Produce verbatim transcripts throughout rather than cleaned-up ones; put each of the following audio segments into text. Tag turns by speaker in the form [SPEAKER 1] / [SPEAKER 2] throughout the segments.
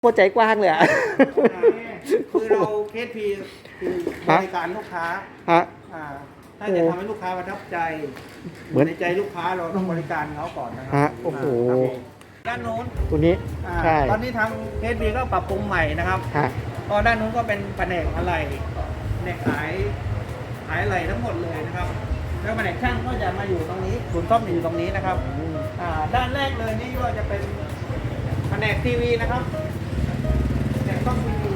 [SPEAKER 1] โคตรใจกว้างเลยอ่ะ
[SPEAKER 2] คือเราเคสพีคือบริการลูกค้า
[SPEAKER 1] ฮะ
[SPEAKER 2] อ่าถ้าจะทำให้ลูกค้าประทับใจ
[SPEAKER 1] เหมือน
[SPEAKER 2] ในใจลูกค้าเราต้องบริการเขาก่อนนะครั
[SPEAKER 1] ฮะโอ้โห
[SPEAKER 2] ครับผมด้านโน้น
[SPEAKER 1] ตัวนี้
[SPEAKER 2] อ่า
[SPEAKER 1] ใช่
[SPEAKER 2] ตอนนี้ทางเคสพีก็ปรับปรุงใหม่นะครับ
[SPEAKER 1] ฮะ
[SPEAKER 2] ก็ด้านนู้นก็เป็นแผนกอะไรแผนกขายขายอะไรทั้งหมดเลยนะครับ แล้วแผนกช่างก็จะมาอยู่ตรงนี้ศูนย์ซ่อมอยู่ตรงนี้นะครับอ่าด้านแรกเลยนี่ก็จะเป็นแผนกทีวีนะครับแผนกกล้องทีวี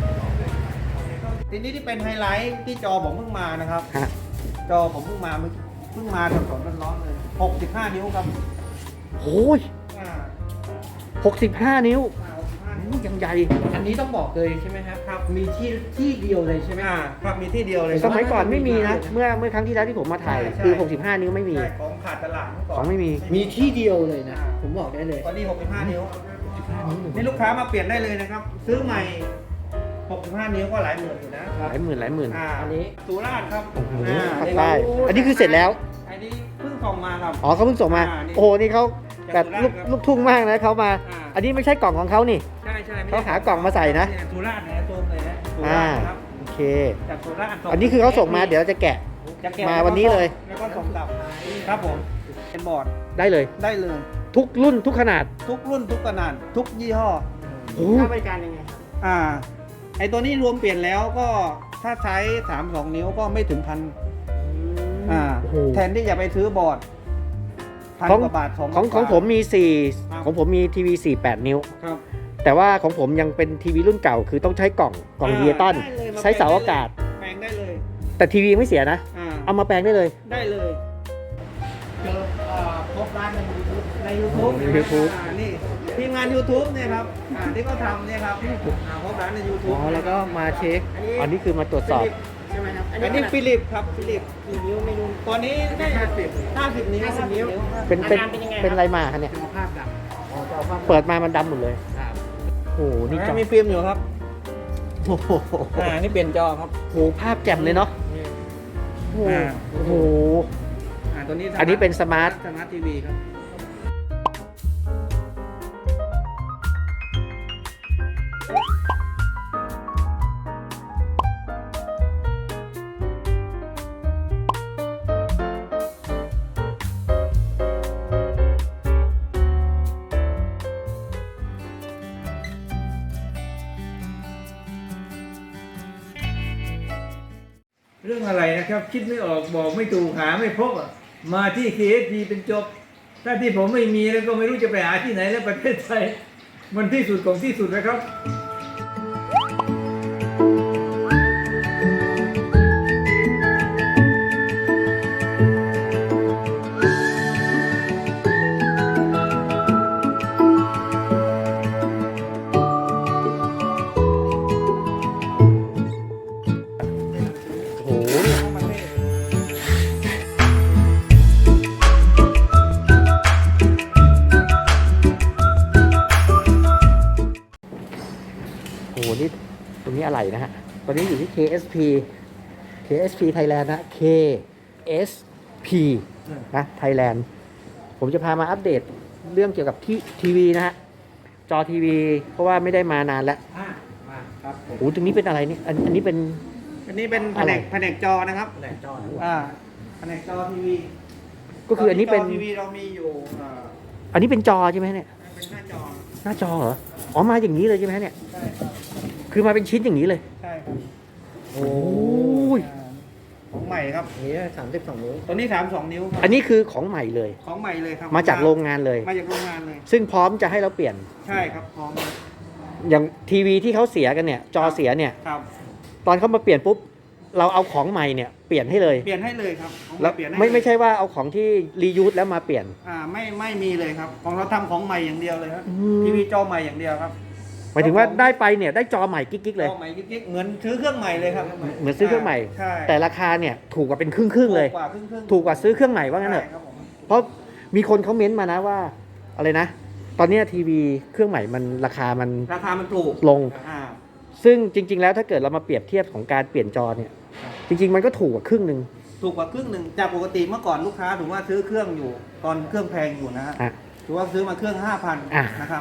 [SPEAKER 2] ทีนี้ที่เป็นไฮไลท์ที่จอผมเพิ่งมานะครับ
[SPEAKER 1] ฮะ
[SPEAKER 2] จอผมเพิ่งมาเมื่อเพิ่งมาสดๆร้อนๆเลยหกสิบห้านิ้วครับ
[SPEAKER 1] โอ้ย
[SPEAKER 2] อ่า
[SPEAKER 1] หกสิบห้านิ้ว
[SPEAKER 2] อ่าหกสิบห้านิ้ว
[SPEAKER 1] อู้ยังใหญ่
[SPEAKER 3] อันนี้ต้องบอกเลยใช่ไหมครับครับ มีที่ที่เดียวเลยใช่ไหม
[SPEAKER 2] อ่าครับมีที่เดียวเลย
[SPEAKER 1] สมัยก่อนไม่มีนะ เมื่อเมื่อครั้งที่แล้วที่ผมมาถ่าย
[SPEAKER 2] ใช่ใช่
[SPEAKER 1] คือ หกสิบห้า นิ้วไม่มี
[SPEAKER 2] ใช่ของขาดตลาดเมื่อก่อน
[SPEAKER 1] ของไม่มี
[SPEAKER 3] มีที่เดียวเลยนะ ผมบอกได้เลย
[SPEAKER 2] ตอนนี้หกสิบห้านิ้วนี่ลูกค้ามาเปลี่ยนได้เลยนะครับ ซื้อใหม่หกสิบห้านิ้วก็หลายหมื่นอยู่นะ
[SPEAKER 1] หลายหมื่นหลายหมื่น
[SPEAKER 2] อ่า
[SPEAKER 3] อันนี้
[SPEAKER 2] สุราษฎร์ครับ
[SPEAKER 1] โอ้โห
[SPEAKER 2] อ่า
[SPEAKER 1] ภาคใต้อันนี้คือเสร็จแล้ว
[SPEAKER 2] อันนี้เพิ่งส่งมาครับ
[SPEAKER 1] อ๋อเขาเพิ่งส่งมา
[SPEAKER 2] อ่านี่
[SPEAKER 1] โอ้โห นี่เขาแบบ
[SPEAKER 2] จากสุราษฎร์ครับ
[SPEAKER 1] ลูกลูกทุ่งมากนะเขามา
[SPEAKER 2] อ่า
[SPEAKER 1] อันนี้ไม่ใช่กล่องของเขานี่
[SPEAKER 2] ใช่ใช่ไม่
[SPEAKER 1] เขาหากล่องมาใส่นะ
[SPEAKER 2] เยสุราษฎร์นะโซมเลยนะสุ
[SPEAKER 1] อ่า
[SPEAKER 2] ราษฎร์ครับ
[SPEAKER 1] โอเค
[SPEAKER 2] จากสุราษฎร์ส่ง
[SPEAKER 1] อันนี้คือเขาส่งมาเดี๋ยวจะแกะ
[SPEAKER 2] จะแกะ
[SPEAKER 1] มาวันนี้เลย
[SPEAKER 2] แล้วก็ส่งกลับครับผมเป็นบอร์ด
[SPEAKER 1] ได้เลย
[SPEAKER 2] ได้เลย
[SPEAKER 1] ทุกรุ่นทุกขนาด
[SPEAKER 2] ทุกรุ่นทุกขนาดทุกยี่ห้อ
[SPEAKER 1] โอ้
[SPEAKER 3] ค่าบริการยังไงครับ
[SPEAKER 2] อ่า ไอตัวนี้รวมเปลี่ยนแล้วก็ถ้าใช้สามสองนิ้วก็ไม่ถึงพันอ่า
[SPEAKER 1] โอ้โห
[SPEAKER 2] แทนที่จะไปซื้อบอร์ดพัน
[SPEAKER 1] ของ
[SPEAKER 2] กว่าบาทสอง
[SPEAKER 1] ของ
[SPEAKER 2] พัน
[SPEAKER 1] ของ
[SPEAKER 2] กว่า
[SPEAKER 1] ผมมีสี่
[SPEAKER 2] ครับ
[SPEAKER 1] ของผมมีทีวีสี่แปดนิ้ว
[SPEAKER 2] ครับ
[SPEAKER 1] แต่ว่าของผมยังเป็นทีวีรุ่นเก่า คือต้องใช้กล่องกล่อง
[SPEAKER 2] อ่า
[SPEAKER 1] เดียตัน
[SPEAKER 2] ได้เลยมา
[SPEAKER 1] ใช้เสาอากาศ
[SPEAKER 2] แปลงได้เลย
[SPEAKER 1] แต่ทีวีไม่เสียนะ
[SPEAKER 2] อ่า
[SPEAKER 1] เอามาแปลงได้เลย
[SPEAKER 2] ได้เลยเจออ่าพบร้านใน YouTube ใน YouTube
[SPEAKER 1] ใน YouTube
[SPEAKER 2] อ่านี่ทีมงาน YouTube เนี่ยครับอ่าที่เขาทำเนี่ยครับอ่าพบร้านใน
[SPEAKER 1] อ๋
[SPEAKER 2] YouTube
[SPEAKER 1] อ แล้วก็มาเช็ค อันนี้คือมาตรวจสอบ
[SPEAKER 3] ใช่ไหมครับ
[SPEAKER 2] อันนี้ฟิลิปครับฟิลิป
[SPEAKER 3] กี่นิ้วไม่รู้
[SPEAKER 2] ตอนนี้ได้ห้าสิบห้าสิบนิ้ว
[SPEAKER 3] ห้าสิบนิ้ว
[SPEAKER 1] เป็นเป็น
[SPEAKER 3] อาการเป็นยังไงครับ
[SPEAKER 1] เป็นอะไรมาคะเนี่ย
[SPEAKER 3] สุขภาพดำอ๋อจะเอาภาพ
[SPEAKER 1] เปิดมามันดำหมดเลย
[SPEAKER 3] ครับ
[SPEAKER 1] โอ้โห นี่จอ
[SPEAKER 2] มีฟิล์มอยู่ครับ
[SPEAKER 1] โอ้โห
[SPEAKER 2] อ่า นี่เปลี่ยนจอครับ
[SPEAKER 1] โอ้โหภาพแจ่มเลยเนาะโอ้โห
[SPEAKER 2] อ่า
[SPEAKER 1] โอ้โห
[SPEAKER 2] อ่า ตัวนี้
[SPEAKER 1] อันนี้เป็นสมาร์ท
[SPEAKER 2] สมาร์ททีวีครับ
[SPEAKER 4] เรื่องอะไรนะครับ คิดไม่ออกบอกไม่ถูกหาไม่พบอ่ะมาที่ เค เอส พี เป็นจบ ถ้าที่ผมไม่มีแล้วก็ไม่รู้จะไปหาที่ไหนแล้วประเทศไทยมันที่สุดของที่สุดนะครับ
[SPEAKER 1] โอ้โห โอ้โห นี่ตรงนี้อะไรนะฮะ ตอนนี้อยู่ที่ เค เอส พี เค เอส พี Thailand นะ เค เอส พี นะ Thailand ผมจะพามาอัปเดตเรื่องเกี่ยวกับที่ทีวีนะฮะ จอทีวี เพราะว่าไม่ได้มานานแล้ว
[SPEAKER 2] อ่า มาครับผม
[SPEAKER 1] โอ้โหตรงนี้เป็นอะไรนี่อันอันนี้เป็น
[SPEAKER 2] อันนี้เป็นแผ
[SPEAKER 1] อะไร
[SPEAKER 2] นกแผนกจอนะครับ
[SPEAKER 3] แหลกจอนะ
[SPEAKER 2] อ่า แผนกจอทีวี
[SPEAKER 1] ก็คืออันนี้เป็น
[SPEAKER 2] จทีวีเรามีอยู่อ่า
[SPEAKER 1] อันนี้เป็นจอใช่ไหมเนี่ย
[SPEAKER 2] เป็นหน้าจอ
[SPEAKER 1] หน้าจอเหรอ อ๋อ มาอย่างนี้เลยใช่ไหมเนี่ย
[SPEAKER 2] ใช่ครับ
[SPEAKER 1] คือมาเป็นชิ้นอย่างนี้เลย
[SPEAKER 2] ใช่ครับ
[SPEAKER 1] โอ้ย
[SPEAKER 2] อ่าของใหม่ครับ
[SPEAKER 3] อันนี้สามสิบสองนิ้ว
[SPEAKER 2] ตัวนี้สามสองนิ้วครับ
[SPEAKER 1] อันนี้คือของใหม่เลย
[SPEAKER 2] ของใหม่เลยครับ
[SPEAKER 1] มาจากโรงงานเลย
[SPEAKER 2] มาจากโรงงานเลย
[SPEAKER 1] ซึ่งพร้อมจะให้เราเปลี่ยน
[SPEAKER 2] ใช่ครับพร้อมเลย
[SPEAKER 1] อย่างทีวีที่เขาเสียกันเนี่ย จอเสียเนี่ย
[SPEAKER 2] ครับ
[SPEAKER 1] ตอนเขามาเปลี่ยนปุ๊บ เราเอาของใหม่เนี่ยเปลี่ยนให้เลย
[SPEAKER 2] เปลี่ยนให้เลยครับของ
[SPEAKER 1] แล้ว
[SPEAKER 2] เปลี่ยนให้
[SPEAKER 1] ไม่
[SPEAKER 2] เลย
[SPEAKER 1] ไม่ใช่ว่าเอาของที่รียูสแล้วมาเปลี่ยน
[SPEAKER 2] อ่าไม่ไม่มีเลยครับ ของเราทำของใหม่อย่างเดียวเลยครับ
[SPEAKER 1] อืม
[SPEAKER 2] ทีวีจอใหม่อย่างเดียวครับ
[SPEAKER 1] หมายถึงว่าได้ไปเนี่ยได้จอใหม่กิ๊กๆเลย
[SPEAKER 2] จอใหม่กิ๊กๆเหมือนซื้อเครื่องใหม่เลยครับ
[SPEAKER 1] เหมือนซื้อเครื่องใหม่
[SPEAKER 2] ใช่
[SPEAKER 1] แต่ราคาเนี่ยถูกกว่าเป็นครึ่งๆเลย
[SPEAKER 2] ถูกกว่าครึ่งครึ่ง
[SPEAKER 1] ถูกกว่าซื้อเครื่องใหม่ว่างั้นเถอะ
[SPEAKER 2] ใช่ครับผม
[SPEAKER 1] เพราะมีคนเขาเม้นต์มานะว่าอะไรนะ ตอนเนี้ยทีวีเครื่องใหม่มันราคามัน
[SPEAKER 2] ราคามันถูก
[SPEAKER 1] ลง
[SPEAKER 2] อ่า
[SPEAKER 1] ซึ่งจริง ๆ แล้วถ้าเกิดเรามาเปรียบเทียบของการเปลี่ยนจอเนี่ย จริง ๆ มันก็ถูกกว่าครึ่งหนึ่ง
[SPEAKER 2] ถูกกว่าครึ่งหนึ่งจากปกติเมื่อก่อนลูกค้าถือว่าซื้อเครื่องอยู่ ตอนเครื่องแพงอยู่นะฮะ
[SPEAKER 1] อ่ะ
[SPEAKER 2] ถือว่าซื้อมาเครื่องห้าพัน
[SPEAKER 1] อ่ะ
[SPEAKER 2] นะครับ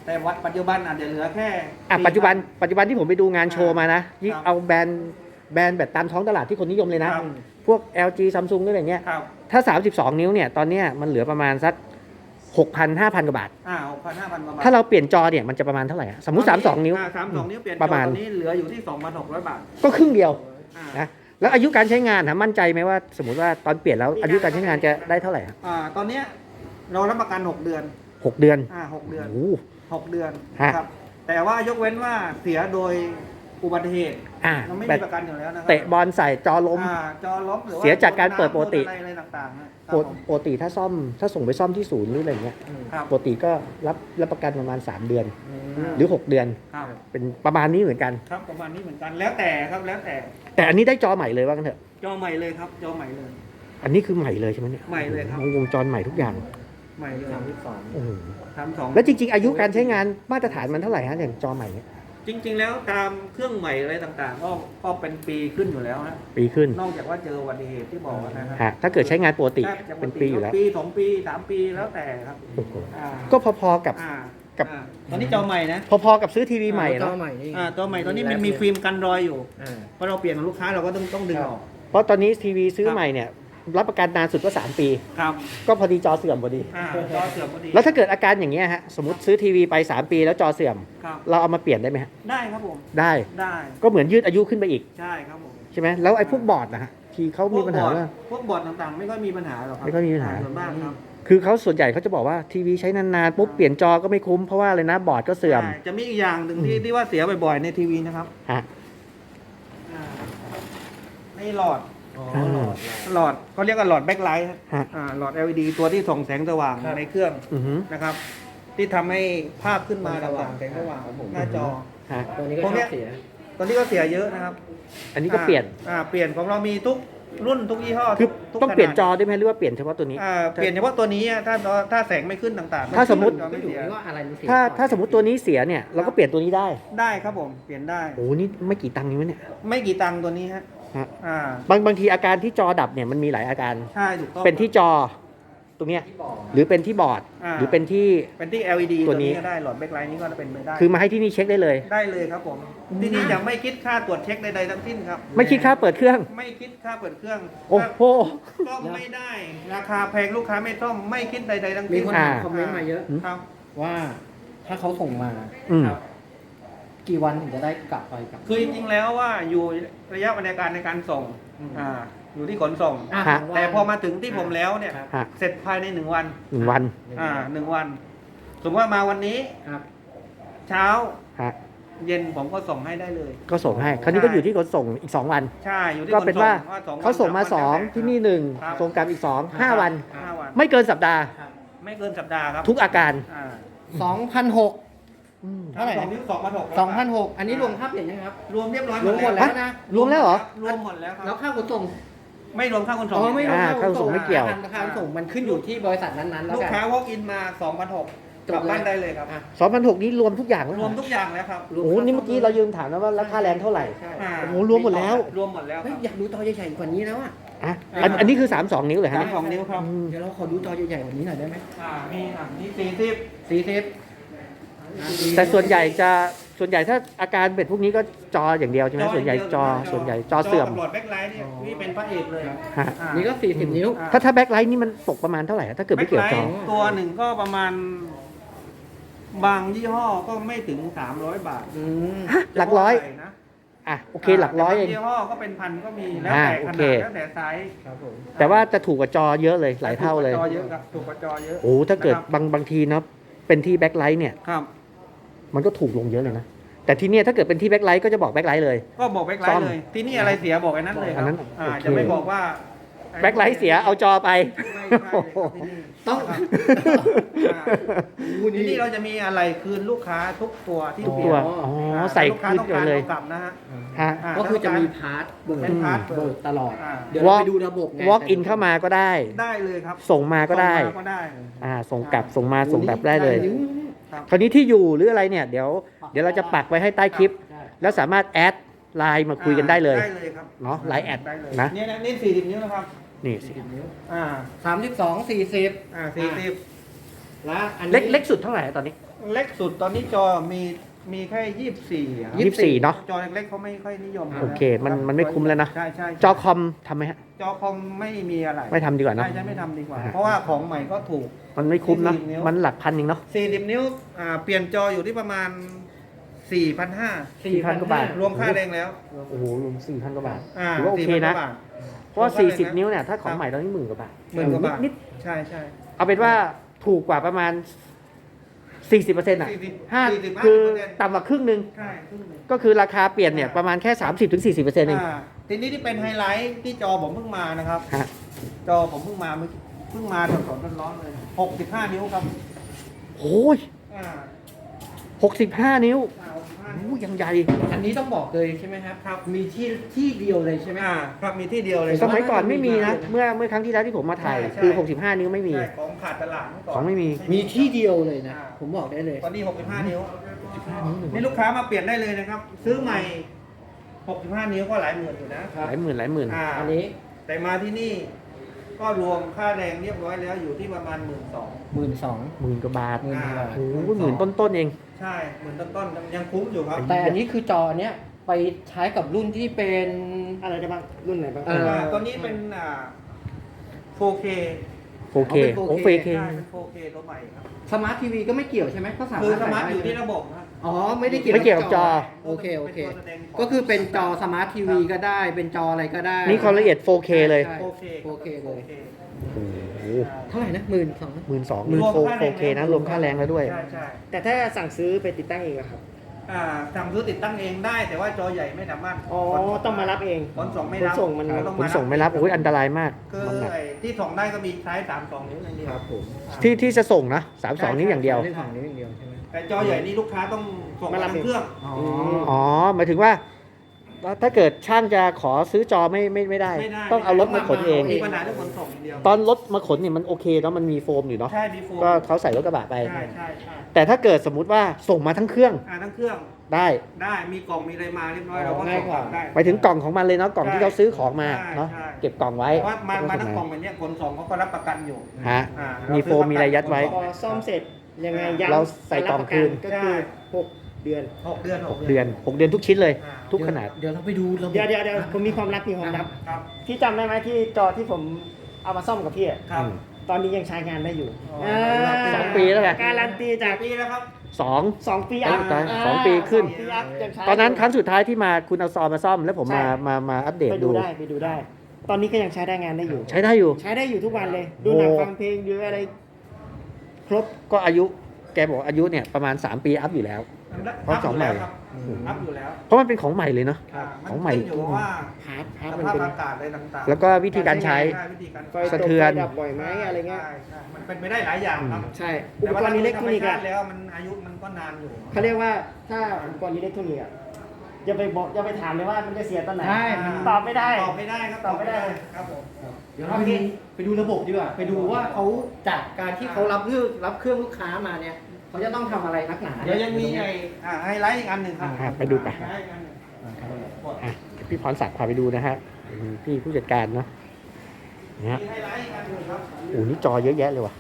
[SPEAKER 2] แต่วัดปัจจุบันอาจจะเหลือแค่
[SPEAKER 1] อ่ะปัจจุบันปัจจุบันที่ผมไปดูงานโชว์มานะยิ่ง
[SPEAKER 2] ครับ
[SPEAKER 1] เอาแบรนด์แบรนด์แบบตามท้องตลาดที่คนนิยมเลยนะ
[SPEAKER 2] ครับ
[SPEAKER 1] พวก แอล จี Samsung อะไรเงี้ย
[SPEAKER 2] ครับ
[SPEAKER 1] ถ้า สามสิบสอง นิ้วเนี่ย ตอนเนี้ยมันเหลือประมาณสัก หกพัน ห้าพัน กว่าบาท
[SPEAKER 2] อ่าหกพันห้าพันประมาณ
[SPEAKER 1] ถ้าเราเปลี่ยนจอเนี่ยมันจะประมาณเท่าไหร่อะสมมุติ สามสิบสอง นิ้ว
[SPEAKER 2] สามสองนิ้วเปลี่ยน
[SPEAKER 1] ประมาณ
[SPEAKER 2] จอตอนนี้เหลืออยู่ที่สองพันหกร้อยบาท
[SPEAKER 1] ก็ครึ่งเดียว
[SPEAKER 2] อ่า
[SPEAKER 1] นะแล้วอายุการใช้งานนะมั่นใจไหมว่าสมมติว่าตอนเปลี่ยนแล้วอายุการใช้งานจะได้เท่าไหร่อะ
[SPEAKER 2] อ่าตอนเนี้ยเรารับประกันหกเดือน
[SPEAKER 1] หกเดือน
[SPEAKER 2] อ่าหกเดือน
[SPEAKER 1] โอ้โห
[SPEAKER 2] หกเดือน
[SPEAKER 1] ฮะ
[SPEAKER 2] ครับแต่ว่ายกเว้นว่าเสียโดยอุบัติเหตุ
[SPEAKER 1] อ่า
[SPEAKER 2] เราไม่
[SPEAKER 1] แบ
[SPEAKER 2] มี
[SPEAKER 1] บ
[SPEAKER 2] ประกันอยู่แล้วนะครั
[SPEAKER 1] เตะบอลใส่จอล้ม
[SPEAKER 2] อ่าจอล้มหรือว่า
[SPEAKER 1] เสียจากการเปิดปกติ
[SPEAKER 2] โดนน้ำโดนอะไรอะไรต่างๆนะค
[SPEAKER 1] ป
[SPEAKER 2] รับ
[SPEAKER 1] ก
[SPEAKER 2] ผม
[SPEAKER 1] ปกติถ้าซ่อมถ้าส่งไปซ่อมที่ศูนย์หรืออะไรเงี้ย
[SPEAKER 2] ครับ
[SPEAKER 1] ปกติก็รับรับประกันประมาณ สาม เดือน
[SPEAKER 2] อ่า
[SPEAKER 1] หรือ หก เดือน
[SPEAKER 2] ครับ
[SPEAKER 1] เป็นประมาณนี้เหมือนกัน
[SPEAKER 2] ครับประมาณนี้เหมือนกันแล้วแต่ครับแล้วแต่
[SPEAKER 1] แต่อันนี้ได้จอใหม่เลยว่ากันเถอะ
[SPEAKER 2] จอใหม่เลยครับจอใหม่เลย
[SPEAKER 1] อันนี้คือใหม่เลยใช่ไหมเนี่ย
[SPEAKER 2] ใหม่เลยครับ
[SPEAKER 1] วงจรใหม่ทุกอย่าง
[SPEAKER 2] ใหม่เลย
[SPEAKER 3] สามสิบสอง
[SPEAKER 1] โอ้โห
[SPEAKER 2] ทำสอง
[SPEAKER 1] แล้วจริง ๆ อายุการใช้งานมาตรฐานมันเท่าไหร่ฮะอย่างจอใหม่เนี่ย
[SPEAKER 2] จริง ๆ แล้วตามเครื่องใหม่อะไรต่างๆ ก็ก็เป็นปีขึ้นอยู่แล้วฮะ
[SPEAKER 1] ปีขึ้น
[SPEAKER 2] นอกจากว่าเจออุบัติเหตุที่บอกนะครั
[SPEAKER 1] ฮะถ้าเกิดใช้งานปกติ
[SPEAKER 2] แทบจะ
[SPEAKER 1] เป็นปีอยู่แล้ว
[SPEAKER 2] ปีสองปีสามปีแล้วแต่ครับ
[SPEAKER 1] โอ้โห
[SPEAKER 2] อ่า
[SPEAKER 1] ก็พอๆกับ
[SPEAKER 2] อ่า
[SPEAKER 1] กับ
[SPEAKER 2] อ่าตอนนี้จอใหม่นะ
[SPEAKER 1] พอๆกับซื้อทีวีใหม่
[SPEAKER 3] จ
[SPEAKER 1] เนาะ
[SPEAKER 3] อใหม่นี่
[SPEAKER 2] อ่าตัวใหม่ตอนนี้มันมีฟิล์มกันรอยอยู่
[SPEAKER 3] อ่า
[SPEAKER 2] เพราะเราเปลี่ยนของลูกค้าเราก็ต้องต้องดึงออก
[SPEAKER 1] เพราะตอนนี้ทีวีซื้อ
[SPEAKER 2] ครับ
[SPEAKER 1] ใหม่เนี่ยรับประกันนานสุดก็สามปี
[SPEAKER 2] ครับ
[SPEAKER 1] ก็พอดีจอเสื่อมพอดี
[SPEAKER 2] อ่าจอเสื่อมพอดี
[SPEAKER 1] แล้วถ้าเกิดอาการอย่างเงี้ยฮะสมมติซื้อทีวีไปสามปีแล้วจอเสื่อม
[SPEAKER 2] ครับ
[SPEAKER 1] เราเอามาเปลี่ยนได้ไหมฮะ
[SPEAKER 2] ได้ครับผม
[SPEAKER 1] ได้
[SPEAKER 2] ได้
[SPEAKER 1] ก็เหมือนยืดอายุขึ้นไปอีก
[SPEAKER 2] ใช่ครับผม
[SPEAKER 1] ใช่ไหมแล้วไอ้พวกบอร์ดนะฮะที่เขามีปัญหา
[SPEAKER 2] พวกบอร์ด
[SPEAKER 1] ว่า
[SPEAKER 2] พวกบอร์ดต่างๆ ไม่ค่อยมีปัญหาหรอกครับ
[SPEAKER 1] ไม่ค่อยมีปัญหา
[SPEAKER 2] ส่วนมากครับ
[SPEAKER 1] คือเขาส่วนใหญ่เขาจะบอกว่าทีวีใช้นานๆปุ๊บเปลี่ยนจอก็ไม่คุ้มเพราะว่าอะไรนะบอร์ดก็เสื่อม
[SPEAKER 2] ใช่จะมีอีกอย่างหนึ่งที่
[SPEAKER 1] อืม
[SPEAKER 2] ที่ว่าเสียบ่อยๆในทีวีนะครับ
[SPEAKER 1] ฮะ
[SPEAKER 2] อ่านี่หลอด
[SPEAKER 3] อ๋อ
[SPEAKER 1] อ่า
[SPEAKER 3] หลอด
[SPEAKER 2] หลอดเขาเรียกว่าหลอดแบ็คไลท์
[SPEAKER 1] ฮะ
[SPEAKER 2] อ่าหลอด แอล อี ดี ตัวที่ส่องแสงสว่าง
[SPEAKER 3] ครับ
[SPEAKER 2] ในเครื่อง
[SPEAKER 1] อือหือ
[SPEAKER 2] นะครับ ที่ทำให้ภาพขึ้นมา
[SPEAKER 3] สว่าง
[SPEAKER 2] แสงสว่าง
[SPEAKER 3] ครับผม
[SPEAKER 2] หน้าจอ
[SPEAKER 1] ฮะ
[SPEAKER 3] ตัวนี้ก็
[SPEAKER 2] พวก
[SPEAKER 3] ช
[SPEAKER 2] เนี้
[SPEAKER 3] อย บเสีย
[SPEAKER 2] ตอนนี้ก็เสียเยอะนะครับ
[SPEAKER 1] อันนี้ก็เปลี่ยน
[SPEAKER 2] อ่าเปลี่ยนของเรามีทุกรุ่นทุกยี่ห้อ
[SPEAKER 1] คือ
[SPEAKER 2] ทุก
[SPEAKER 1] ต้องเปลี่ยน
[SPEAKER 2] ขนาด
[SPEAKER 1] จอได้ไหมหรือว่าเปลี่ยนเฉพาะตัวนี้
[SPEAKER 2] อ่าเปลี่ยนเฉพาะตัวนี้อะถ้าถ้าแสงไม่ขึ้นต่างๆ
[SPEAKER 1] ถ้าสมมุติ
[SPEAKER 2] จอ
[SPEAKER 3] ก็
[SPEAKER 2] ไม่
[SPEAKER 3] อยู่
[SPEAKER 2] เสีย
[SPEAKER 3] ที่ว่าอะไรมันเสีย
[SPEAKER 1] ถ้า
[SPEAKER 3] ก่อน
[SPEAKER 1] ถ้าสมมติตัวนี้เสียเนี่ยเราก็เปลี่ยนตัวนี้ได้
[SPEAKER 2] ได้ครับผมเปลี่ยนได้
[SPEAKER 1] โอ้โหนี่ไม่กี่ตังค์นี่วะเนี่ย
[SPEAKER 2] ไม่กี่ตังค์ตัวนี้ฮะ
[SPEAKER 1] ฮะ
[SPEAKER 2] อ่า
[SPEAKER 1] บางบางทีอาการที่จอดับเนี่ยมันมีหลายอาการ
[SPEAKER 2] ใช่ถูกต้อง
[SPEAKER 1] เป็นที่จอตรงเนี้ย
[SPEAKER 3] ที่บอก
[SPEAKER 1] หรือเป็นที่บอร์ด
[SPEAKER 2] อ่า
[SPEAKER 1] หรือเป็นที่
[SPEAKER 2] เป็นที่ แอล อี ดี
[SPEAKER 1] ตั
[SPEAKER 2] ตัว
[SPEAKER 1] วนี้
[SPEAKER 2] นี้ก็ได้หลอดแบ็คไลท์นี้ก็เป็นไปได้
[SPEAKER 1] คือมาให้ที่นี่เช็คได้เลย
[SPEAKER 2] ได้เลยครับผมที่นี่จะไม่คิดค่าตรวจเช็คใดๆทั้งสิ้นครับ
[SPEAKER 1] ไม่คิดค่าเปิดเครื่อง
[SPEAKER 2] ไม่คิดค่าเปิดเครื่อง
[SPEAKER 1] โอ้โห
[SPEAKER 2] ซ่อมไม่ได้ ราคาแพงลูกค้าไม่ซ่อมไม่คิดใดๆทั้ง
[SPEAKER 3] มี
[SPEAKER 2] สิ้น
[SPEAKER 3] คนถาม
[SPEAKER 1] อ่า
[SPEAKER 3] คอมเมนต์มาเยอะ
[SPEAKER 2] ครับ
[SPEAKER 3] ว่าถ้าเขาส่งมา
[SPEAKER 1] อืม
[SPEAKER 2] ครับ
[SPEAKER 3] กี่วันถึงจะได้กลับไปกลับ
[SPEAKER 2] คือจริงๆแล้วว่าอยู่ระยะเวลาการในการส่ง
[SPEAKER 3] อืม
[SPEAKER 2] อ่าอยู่ที่ขนส่ง
[SPEAKER 3] อ่ะ
[SPEAKER 1] ฮะ
[SPEAKER 3] สงวัน
[SPEAKER 2] แต่พอมาถึงที่ผมแล้วเนี่ย
[SPEAKER 3] ครับ
[SPEAKER 1] ฮะ
[SPEAKER 2] เสร็จภายในหนึ่งวัน
[SPEAKER 1] หนึ่งวัน
[SPEAKER 2] อ่าหนึ่งวัน สมมติว่ามาวันนี้
[SPEAKER 3] ครับ
[SPEAKER 2] เช้า
[SPEAKER 1] ฮะ
[SPEAKER 2] เย็นผมก็ส่งให้ได้เลย
[SPEAKER 1] ก็ส่งให้ คราวนี้ก็อยู่ที่ขนส่งอีกสองวัน
[SPEAKER 2] ใช่อยู่ที่
[SPEAKER 1] ก็
[SPEAKER 2] ขน
[SPEAKER 1] เป็น
[SPEAKER 2] ส่ง
[SPEAKER 1] ว่า
[SPEAKER 2] ว่าสองวัน
[SPEAKER 1] เขาส่งมา
[SPEAKER 2] ส
[SPEAKER 1] ส
[SPEAKER 2] วั
[SPEAKER 1] อง
[SPEAKER 2] แล้วแต่
[SPEAKER 1] ที่นี่หนึ่ง
[SPEAKER 2] ครับ
[SPEAKER 1] ส่งกลับอีกสองห้าวัน
[SPEAKER 2] ห้าวัน
[SPEAKER 1] ไม่เกินสัปดาห์
[SPEAKER 3] ครับ
[SPEAKER 2] ไม่เกินสัปดาห์ครับ
[SPEAKER 1] ทุกอาการ
[SPEAKER 2] อ่า
[SPEAKER 3] สองพันหก เท่าไหร่
[SPEAKER 2] สองนิ้วสองพันหก
[SPEAKER 3] สองพันหกอันนี้รวมค่าเปลี่ยนยังครับ
[SPEAKER 2] รวมเรียบร้อย
[SPEAKER 3] รวมหมดแล้วนะ
[SPEAKER 1] รวมแล้วเหรอ
[SPEAKER 2] รวมหมดแล้วค
[SPEAKER 3] แล้ว
[SPEAKER 2] รับ
[SPEAKER 3] ค่าขนส่ง
[SPEAKER 2] ไม่รวมค่าขนส่ง
[SPEAKER 3] อ๋อไม่รวม
[SPEAKER 1] อ่า
[SPEAKER 3] ค่า
[SPEAKER 1] ค่าขนส่งไม่เกี่ยว
[SPEAKER 3] ราคาขนส่งมันขึ้นอยู่ที่บริษัทนั้นๆแล้ว
[SPEAKER 2] ลูก
[SPEAKER 3] กัน
[SPEAKER 2] ค้า walk in มาสองพันหก
[SPEAKER 3] จ
[SPEAKER 2] ก
[SPEAKER 3] บ
[SPEAKER 2] ลับ
[SPEAKER 3] เลย
[SPEAKER 2] บ้านได้เลยครับ
[SPEAKER 3] อ่ะ
[SPEAKER 1] สองพันหกนี้รวมทุกอย่างแล้ว
[SPEAKER 2] รวมทุกอย่างแล้วครับ
[SPEAKER 1] โอ้โหนี่เมื่อกี้เรายืมถามนะว่าราคาแรงเท่าไหร่
[SPEAKER 3] ใช่
[SPEAKER 2] อ่า
[SPEAKER 1] โอ้โหรวมหมดแล้ว
[SPEAKER 2] รวมหมดแล้วค
[SPEAKER 3] เฮ้ย
[SPEAKER 2] รับ
[SPEAKER 3] อยากดูจอใหญ่ๆกว่านี้แล้วอ่ะ
[SPEAKER 1] อ่ะอันอันนี้คือสามสองนิ้วเหรอ
[SPEAKER 2] สา
[SPEAKER 1] ฮะ
[SPEAKER 2] มสองนิ้วครับ
[SPEAKER 1] อืม
[SPEAKER 3] เดี๋ยวเราขอดูจอใหญ่ๆกว่านี้หน่อยได้ไหม
[SPEAKER 2] อ่ามีอ่ะนี่สี่สิบ
[SPEAKER 3] สี่สิบ
[SPEAKER 1] แต่ส่วนใหญ่จะส่วนใหญ่ถ้าอาการเป็นพวกนี้ก็จออย่างเดียวใช่ไหมส่วนใหญ่จอส่วนใหญ่จอเสื่อม
[SPEAKER 2] กับหลอดแบ็คไลท์เนี่ยนี่เป็นพระเอกเลย
[SPEAKER 1] ฮะ
[SPEAKER 2] อ่า
[SPEAKER 3] นี่ก็สี่สิบนิ้ว
[SPEAKER 2] อ่า
[SPEAKER 1] ถ้าถ้าแบ็คไลท์นี่มันตกประมาณเท่าไหร่อะถ้าเกิดไม่เกี่ยวจอ
[SPEAKER 2] แบ็คไลท์ตัวหนึ่งก็ประมาณ บางยี่ห้อก็ไม่ถึงสามร้อยบาท
[SPEAKER 3] อืม
[SPEAKER 1] ฮะหลักร้อย
[SPEAKER 2] เฉพาะะไนะ
[SPEAKER 1] อ่ะโอเคหลักร้อยเอง
[SPEAKER 2] แต่บางยี่ห้อก็เป็นพันก็มีแล้ว
[SPEAKER 1] อ่า
[SPEAKER 2] แต่
[SPEAKER 1] โอ
[SPEAKER 2] ข
[SPEAKER 1] เค
[SPEAKER 2] นาดแล้วแต่ไซส์
[SPEAKER 3] ครับผม
[SPEAKER 1] แต่ว่าจะถูกกว่าจอเยอะเลยหลายเท่าเลย
[SPEAKER 2] ถูกกว่จอเยอะครับถูกกว่าจอเยอะ
[SPEAKER 1] โอ้ถ้าเกิด
[SPEAKER 2] นะครับ
[SPEAKER 1] บางบางทีเนาะเป็นที่แบ็คไลท์เนี่ย
[SPEAKER 2] ครับ
[SPEAKER 1] มันก็ถูกลงเยอะเลยนะ แต่ที่เนี่ยถ้าเกิดเป็นที่แบ็คไลท์ก็จะบอกแบ็คไลท์เลย
[SPEAKER 2] ก็บอกแบ็คไล
[SPEAKER 1] ซ่อม
[SPEAKER 2] ท์เลย ที่นี่อะไรเสียบอกไอ้นั้นเลยค
[SPEAKER 1] อั
[SPEAKER 2] รั
[SPEAKER 1] น
[SPEAKER 2] บ
[SPEAKER 1] นั้น
[SPEAKER 2] อ่า
[SPEAKER 1] โอเค
[SPEAKER 2] จะไม่บอกว่า
[SPEAKER 1] แบ็คไลท์เสียเอาจอไป
[SPEAKER 2] ไม่ใช่เลยครับที่นี่
[SPEAKER 3] ต้อง
[SPEAKER 2] ครับอ่าที่นี่เราจะมีอะไรคืนลูกค้าทุกตัวที่
[SPEAKER 1] ทุก
[SPEAKER 2] เปลี่
[SPEAKER 1] ตั
[SPEAKER 2] ยน
[SPEAKER 1] วอ๋อ
[SPEAKER 2] อ่า
[SPEAKER 1] ใส่
[SPEAKER 2] ลูกค้า
[SPEAKER 1] คืน
[SPEAKER 2] ต้อง
[SPEAKER 1] กั
[SPEAKER 2] กาน ร
[SPEAKER 1] เลย
[SPEAKER 2] เอากลับนะฮะ
[SPEAKER 1] ฮะ
[SPEAKER 2] อ่า
[SPEAKER 3] ก็คือจะมีพาร์ทเบิร์
[SPEAKER 2] เป็นพาร์ทเบิ
[SPEAKER 3] เบิ
[SPEAKER 2] ร์
[SPEAKER 3] ร์ตลอด
[SPEAKER 2] อ่า
[SPEAKER 3] เดี๋ยวเราไปดูระบบไง
[SPEAKER 1] walk in เข้ามาก็ได้
[SPEAKER 2] ได้เลยครับ
[SPEAKER 1] ส่งมาก็ได้
[SPEAKER 2] ส่งมาก็ได้
[SPEAKER 1] อ่าส่งกลับส่งมาส่งกลับได้เลย
[SPEAKER 3] นิ้ว
[SPEAKER 2] ครับ
[SPEAKER 1] คราวนี้ที่อยู่หรืออะไรเนี่ยเดี๋ยวเดี๋ยวเราจะปักไว้ให้ใต้คลิป
[SPEAKER 3] ใช่
[SPEAKER 1] แล้วสามารถแอดไลน์มาคุยกันได้เลย
[SPEAKER 2] ได้เลยครับ
[SPEAKER 1] เนาะไลน์แอด
[SPEAKER 2] ได้เลย
[SPEAKER 1] นะ
[SPEAKER 2] เนี่ยนะนี่สี่สิบนิ้วนะครับ
[SPEAKER 1] นี่สิ
[SPEAKER 3] นิ้ว
[SPEAKER 2] อ่า
[SPEAKER 3] สามสิบสองสี่สิบ
[SPEAKER 2] อ่าสี่สิบ
[SPEAKER 3] แล้วอันนี้
[SPEAKER 1] เล็กเล็กสุดเท่าไหร่ตอนนี้
[SPEAKER 2] เล็กสุดตอนนี้จอมีมีแค่ยี่สิบสี่
[SPEAKER 1] ยี่สิบสี่เนาะ
[SPEAKER 2] จอเล็กๆเขาไม่ค่อยนิยม
[SPEAKER 1] โอเคมันมันไม่คุ้มแล้วนะ
[SPEAKER 2] ใช่ใช่
[SPEAKER 1] จอคอมทำไหมฮะ
[SPEAKER 2] จอคอมไม่มีอะไร
[SPEAKER 1] ไม่ทำดีกว่าเนอะ
[SPEAKER 2] ใช่ใช่ไม่ทำดีกว่า
[SPEAKER 1] อ่า
[SPEAKER 2] เพราะว่าของใหม่ก็ถูก
[SPEAKER 1] มันไม่คุ้มเนาะ
[SPEAKER 2] สี่สิบนิ้ว
[SPEAKER 1] มันหลักพันเองเนาะ
[SPEAKER 2] สี่สิบนิ้วอ่าเปลี่ยนจออยู่ที่ประมาณ สี่พันห้าร้อย
[SPEAKER 1] สี่พันกว่าบาท
[SPEAKER 2] รวมค่าแรงแล้ว
[SPEAKER 1] โอ้โหรวมสี่พันกว่าบาท
[SPEAKER 2] อ่า
[SPEAKER 1] ถือว่าโอเคนะ
[SPEAKER 2] สี่พักว่าบาท
[SPEAKER 1] เพราะว่าสี่สิบ
[SPEAKER 2] รวมค่าแรง
[SPEAKER 1] นิ้วเนี่ยถ้าของ
[SPEAKER 2] ครับ
[SPEAKER 1] ใหม่ตอนนี้หมื่นกว่าบาท
[SPEAKER 2] หมื่นกว่าบาท
[SPEAKER 1] นิด
[SPEAKER 2] ใช่ใช่
[SPEAKER 1] ๆเอาเป็นว่าถูกกว่าประมาณสี่สิบเปอร์เซ็นต์อ่ะ
[SPEAKER 2] สี่สิบ
[SPEAKER 1] ห้า
[SPEAKER 2] สี่สิบ
[SPEAKER 1] คือ
[SPEAKER 2] ห้าสิบเปอร์เซ็นต์
[SPEAKER 1] ต่ำกว่าครึ่งหนึ่ง
[SPEAKER 2] ใช่ครึ่งหนึ่ง
[SPEAKER 1] ก็คือราคาเปลี่ยนเนี่ยประมาณแค่สามสิบถึงสี่สิบเปอร์เซ็นต์เอง
[SPEAKER 2] อ่าทีนี้ที่เป็นไฮไลท์ที่จอผมเพิ่งมานะครับ
[SPEAKER 1] ฮะ
[SPEAKER 2] จอผมเพิ่งมาเมื่อเพิ่งมาสดๆร้อนๆเลยหกสิบห้านิ้วครับ
[SPEAKER 1] โอ้ย
[SPEAKER 2] อ่า
[SPEAKER 1] หกสิบห้านิ้ว
[SPEAKER 2] อ่าหกสิบห้า
[SPEAKER 1] โอ้
[SPEAKER 2] นิ้ว
[SPEAKER 1] ยยังใหญ่
[SPEAKER 3] อันนี้ต้องบอกเลยใช่ไหมครับครับ มีที่ที่เดียวเลยใช่ไหม
[SPEAKER 2] อ่าครับมีที่เดียวเลย
[SPEAKER 1] สมัยก่อนไม่มีนะ เมื่อเมื่อครั้งที่แล้วที่ผมมาถ่าย
[SPEAKER 2] ใช่ใช่
[SPEAKER 1] คือหกสิบห้านิ้วไม่มี
[SPEAKER 2] ใช่ของขาดตลาดเมื่อก่อน
[SPEAKER 1] ของไม่มี
[SPEAKER 3] มีที่เดียวเลยนะ
[SPEAKER 2] อ่า
[SPEAKER 3] ผมบอกได้เลย
[SPEAKER 2] ตอนนี้หกสิบห้านิ้ว
[SPEAKER 1] นิ้วหนึ่ง
[SPEAKER 2] นี่ลูกค้ามาเปลี่ยนได้เลยนะครับ ซื้อใหม่หกสิบห้านิ้วก็หลายหมื่นอยู่นะ
[SPEAKER 1] หลายหมื่นหลายหมื่น
[SPEAKER 2] อ่า
[SPEAKER 3] อันนี้
[SPEAKER 2] แต่มาที่นี่ ก็รวมค่าแรงเรียบร้อยแล้วอยู่ที่ประมาณหมื่นสอง
[SPEAKER 3] หมื่นสอง
[SPEAKER 1] หมื่นกว่าบาท
[SPEAKER 3] หมื่นกว่าบาท
[SPEAKER 1] โอ้โหหมื่นต้นๆเอง
[SPEAKER 2] ใช่หมื่นต้นๆยังคุ้มอยู่ครับ
[SPEAKER 3] แต่อันนี้คือจอเนี้ยไปใช้กับรุ่นที่เป็น
[SPEAKER 2] อะไรได้บ้างรุ่นไหนบ้าง
[SPEAKER 3] เอ่อ
[SPEAKER 2] ตัวนี้เป็นอ่า โฟร์เค
[SPEAKER 1] โอเค
[SPEAKER 3] เอาเป็น
[SPEAKER 1] โอ้
[SPEAKER 3] โอ
[SPEAKER 1] เฟ
[SPEAKER 3] เค
[SPEAKER 1] เค
[SPEAKER 2] ใช่เป็น โฟร์เค ตัวใหม่ครับ
[SPEAKER 3] สมาร์ททีวีก็ไม่เกี่ยวใช่ไหมก็สามารถ
[SPEAKER 2] คือสมาร์ท
[SPEAKER 3] ใส่
[SPEAKER 2] อ
[SPEAKER 3] ได้
[SPEAKER 2] ยู่ที่ระบบนะ
[SPEAKER 3] อ๋อไม่ได้เกี่ยว
[SPEAKER 1] ไม่เกี่ยวกับจอ
[SPEAKER 3] โอเคโอเค
[SPEAKER 2] ป็นตัวแสดงผล
[SPEAKER 3] ก็คือเป็นจอสมาร์ททีวีก็ได้เป็นจออะไรก็ได้
[SPEAKER 1] นี่ความละเอียด โฟร์เค เลย
[SPEAKER 3] ใช่
[SPEAKER 2] โฟร์เค
[SPEAKER 3] โอเคเลย
[SPEAKER 1] โอ้โห
[SPEAKER 3] เท่าไหร่นะหมื่นสอง
[SPEAKER 1] หมื่นสอง
[SPEAKER 2] รวม
[SPEAKER 1] โฟ
[SPEAKER 2] ค่า
[SPEAKER 1] โฟ
[SPEAKER 2] แรง
[SPEAKER 1] เคนะรวมค่าแรงแล้วด้วย
[SPEAKER 2] ใช่ใช่
[SPEAKER 5] แต่ถ้าสั่งซื้อไปติดตั้งเองอะครับ
[SPEAKER 2] อ่าสั่งซื้อติดตั้งเองได้ แต่ว่าจอใหญ่ไม่สามารถ
[SPEAKER 5] อ๋อ ต้องมารับเอง
[SPEAKER 2] ขนส่งไม่รับ
[SPEAKER 5] ขนส่งมัน
[SPEAKER 2] ต้อง
[SPEAKER 1] ขนส่งไม่รับโอ้ยอันตรายมาก
[SPEAKER 2] คือ
[SPEAKER 1] มันหนัก
[SPEAKER 2] ไอ้ที่ส่งได้ก็มีใช้สามสองนิ้วอย่างเดียว
[SPEAKER 3] ครับผม
[SPEAKER 1] ที่ที่จะส่งนะสามสองนี้อย่างเดียว
[SPEAKER 3] เล่นสองนิ้วอย่างเดียวใช่ไหม
[SPEAKER 2] แต่จอใหญ่นี่ลูกค้าต้องส่ง
[SPEAKER 5] มา
[SPEAKER 2] มา
[SPEAKER 5] รับ
[SPEAKER 2] ทางเครื่อง
[SPEAKER 3] อ๋อ
[SPEAKER 1] อ๋อหมายถึงว่า ถ้าเกิดช่างจะขอซื้อจอไม่ไม่ไม่ได้
[SPEAKER 2] ไม่ได้
[SPEAKER 1] ต้องเอารถมาขนเอง
[SPEAKER 2] มีปัญหาเรื่องขนส่งอย่างเดียว
[SPEAKER 1] ตอนรถมาขนเนี่ยมันโอเคเนาะมันมีโฟมอยู่เนาะ
[SPEAKER 2] ใช่มีโฟม
[SPEAKER 1] ก็เขาใส่รถกระบะไป
[SPEAKER 2] ใช่ใช่ใช่
[SPEAKER 1] แต่ถ้าเกิดสมมุติว่าส่งมาทั้งเครื่อง
[SPEAKER 2] อ่าทั้งเครื่อง
[SPEAKER 1] ได้
[SPEAKER 2] ได้มีกล่องมีอะไรมาเรียบร้อยเราก็
[SPEAKER 3] ง่าย
[SPEAKER 2] ส่ง
[SPEAKER 3] กว่า
[SPEAKER 2] ได้
[SPEAKER 1] ไปถึงกล่องของมันเลยเนาะกล่องที่เขาซื้อของมา
[SPEAKER 2] ใช่
[SPEAKER 1] เนาะ
[SPEAKER 2] ใช่
[SPEAKER 1] เก็บกล่องไว้
[SPEAKER 2] เพราะว่ามามาทั้งกล่องแบบเนี้ยขนส่งเขาก็รับประกันอยู่
[SPEAKER 1] ฮะ
[SPEAKER 2] อ่า
[SPEAKER 1] มี
[SPEAKER 2] มี
[SPEAKER 1] โฟมมีอะไรยัดไว้
[SPEAKER 5] พอซ่อมเสร็จยังไงย้ำ
[SPEAKER 1] เราใส่กล่องคืน
[SPEAKER 5] ก็คือหกเดือน
[SPEAKER 2] หกเดือนหก
[SPEAKER 1] เดือนหกเดือนทุกชิ้นเลย
[SPEAKER 2] อ่า
[SPEAKER 1] ทุกขนาด
[SPEAKER 3] เดี๋ยวเราไปดูระบบ
[SPEAKER 5] เดี๋ยวเดี๋ยวเดี๋ยวผมมีความลับมีความลับ
[SPEAKER 2] ครับ
[SPEAKER 5] พี่จำได้ไหมที่จอที่ผมเอามาซ่อมกับพี่อะ
[SPEAKER 2] ครับ
[SPEAKER 5] ตอนนี้ยังใช้งานได้อยู่
[SPEAKER 2] อ๋อ
[SPEAKER 5] า
[SPEAKER 1] สองปีแล้วแหละ
[SPEAKER 5] การันตีจาก
[SPEAKER 2] ปีแล้วครับ
[SPEAKER 1] สอง
[SPEAKER 5] สองปีอัพ
[SPEAKER 1] ตายสองปีขึ้น
[SPEAKER 5] สองปีอัพยังใช้
[SPEAKER 1] ตอนนั้นครั้งสุดท้ายที่มาคุณเอาซอมาซ่อม แล้วผมมา
[SPEAKER 5] ใช่
[SPEAKER 1] มามาอัปเดต
[SPEAKER 5] ไป
[SPEAKER 1] ดู
[SPEAKER 5] ดูได้ไปดูได้ ตอนนี้ก็ยังใช้ได้งานได้อยู่
[SPEAKER 1] ใช้ได้อยู่
[SPEAKER 5] ใช้ได้อยู่ทุกวันเลย ดูหนัง
[SPEAKER 1] โอ้
[SPEAKER 5] ฟังเพลงดูอะไร ครบ
[SPEAKER 1] ก็อายุแกบอกอายุเนี่ยประมาณสามปีอัพอยู่แล้ว เพราะของใหม่
[SPEAKER 2] อัพอยู่แล้ว
[SPEAKER 1] เพราะมันเป็นของใหม่เลยเนาะ
[SPEAKER 2] ครับ
[SPEAKER 1] ของใหม่
[SPEAKER 2] นขึ้นอยู่ว่า
[SPEAKER 5] ฮาร์ดฮาร์ด
[SPEAKER 2] ส
[SPEAKER 5] มัน
[SPEAKER 2] ภาพ
[SPEAKER 5] เป็น
[SPEAKER 2] อากาศอะไรต่างๆ
[SPEAKER 1] แล้วก็วิธีการใช้
[SPEAKER 2] วิธีการ
[SPEAKER 5] ไฟ
[SPEAKER 1] สะ
[SPEAKER 5] ตก
[SPEAKER 1] เทือน
[SPEAKER 5] ไฟดับบ่อยไหมอะไรเงี้ย
[SPEAKER 2] ใช่ใช่มันเป็นไปได้หลายอย่างครับ
[SPEAKER 5] ใช่ อุ
[SPEAKER 2] แต่
[SPEAKER 5] ป
[SPEAKER 2] ว่าก
[SPEAKER 5] รณ์อิเล็กทรอนิกส์
[SPEAKER 2] ธรรม
[SPEAKER 5] อะ
[SPEAKER 2] ชาติแล้วมันอายุมันก็นานอยู่
[SPEAKER 5] เขาเรียกว่าถ้าอุปกรณ์อิเล็กทรอนิกส์อะอย่าไปบอกอย่าไปถามเลยว่ามันจะเสียตอนไหน
[SPEAKER 3] ใช่
[SPEAKER 5] ตอบไม่ได้
[SPEAKER 2] ตอบไม่ได้ครับ
[SPEAKER 5] ตอบไม่ได้
[SPEAKER 2] ครับผม
[SPEAKER 3] เดี๋ยวเราไปดูไปดูระบบดีกว่า ไปดูว่าเขาจากการที่เขารับเรื่องรับเครื่องลูกค้ามาเนี่ยเขาจะต้องทำอะไรนักหนา
[SPEAKER 2] เดี๋ยวยังมีไอ้อ่าไฮไลท์อีกอันหนึ่งครับ
[SPEAKER 1] อ่าไปดูไป
[SPEAKER 2] ไฮไลท์อีกอันหนึ่ง
[SPEAKER 1] อ่ะพี่พรศักดิ์พาไปดูนะฮะอืมพี่ผู้จัดการเนาะเนี่ย
[SPEAKER 2] มีไฮไลท์อีกอันหนึ่งครับ
[SPEAKER 1] โอ้โหนี่จอเยอะแยะเลยว่ะ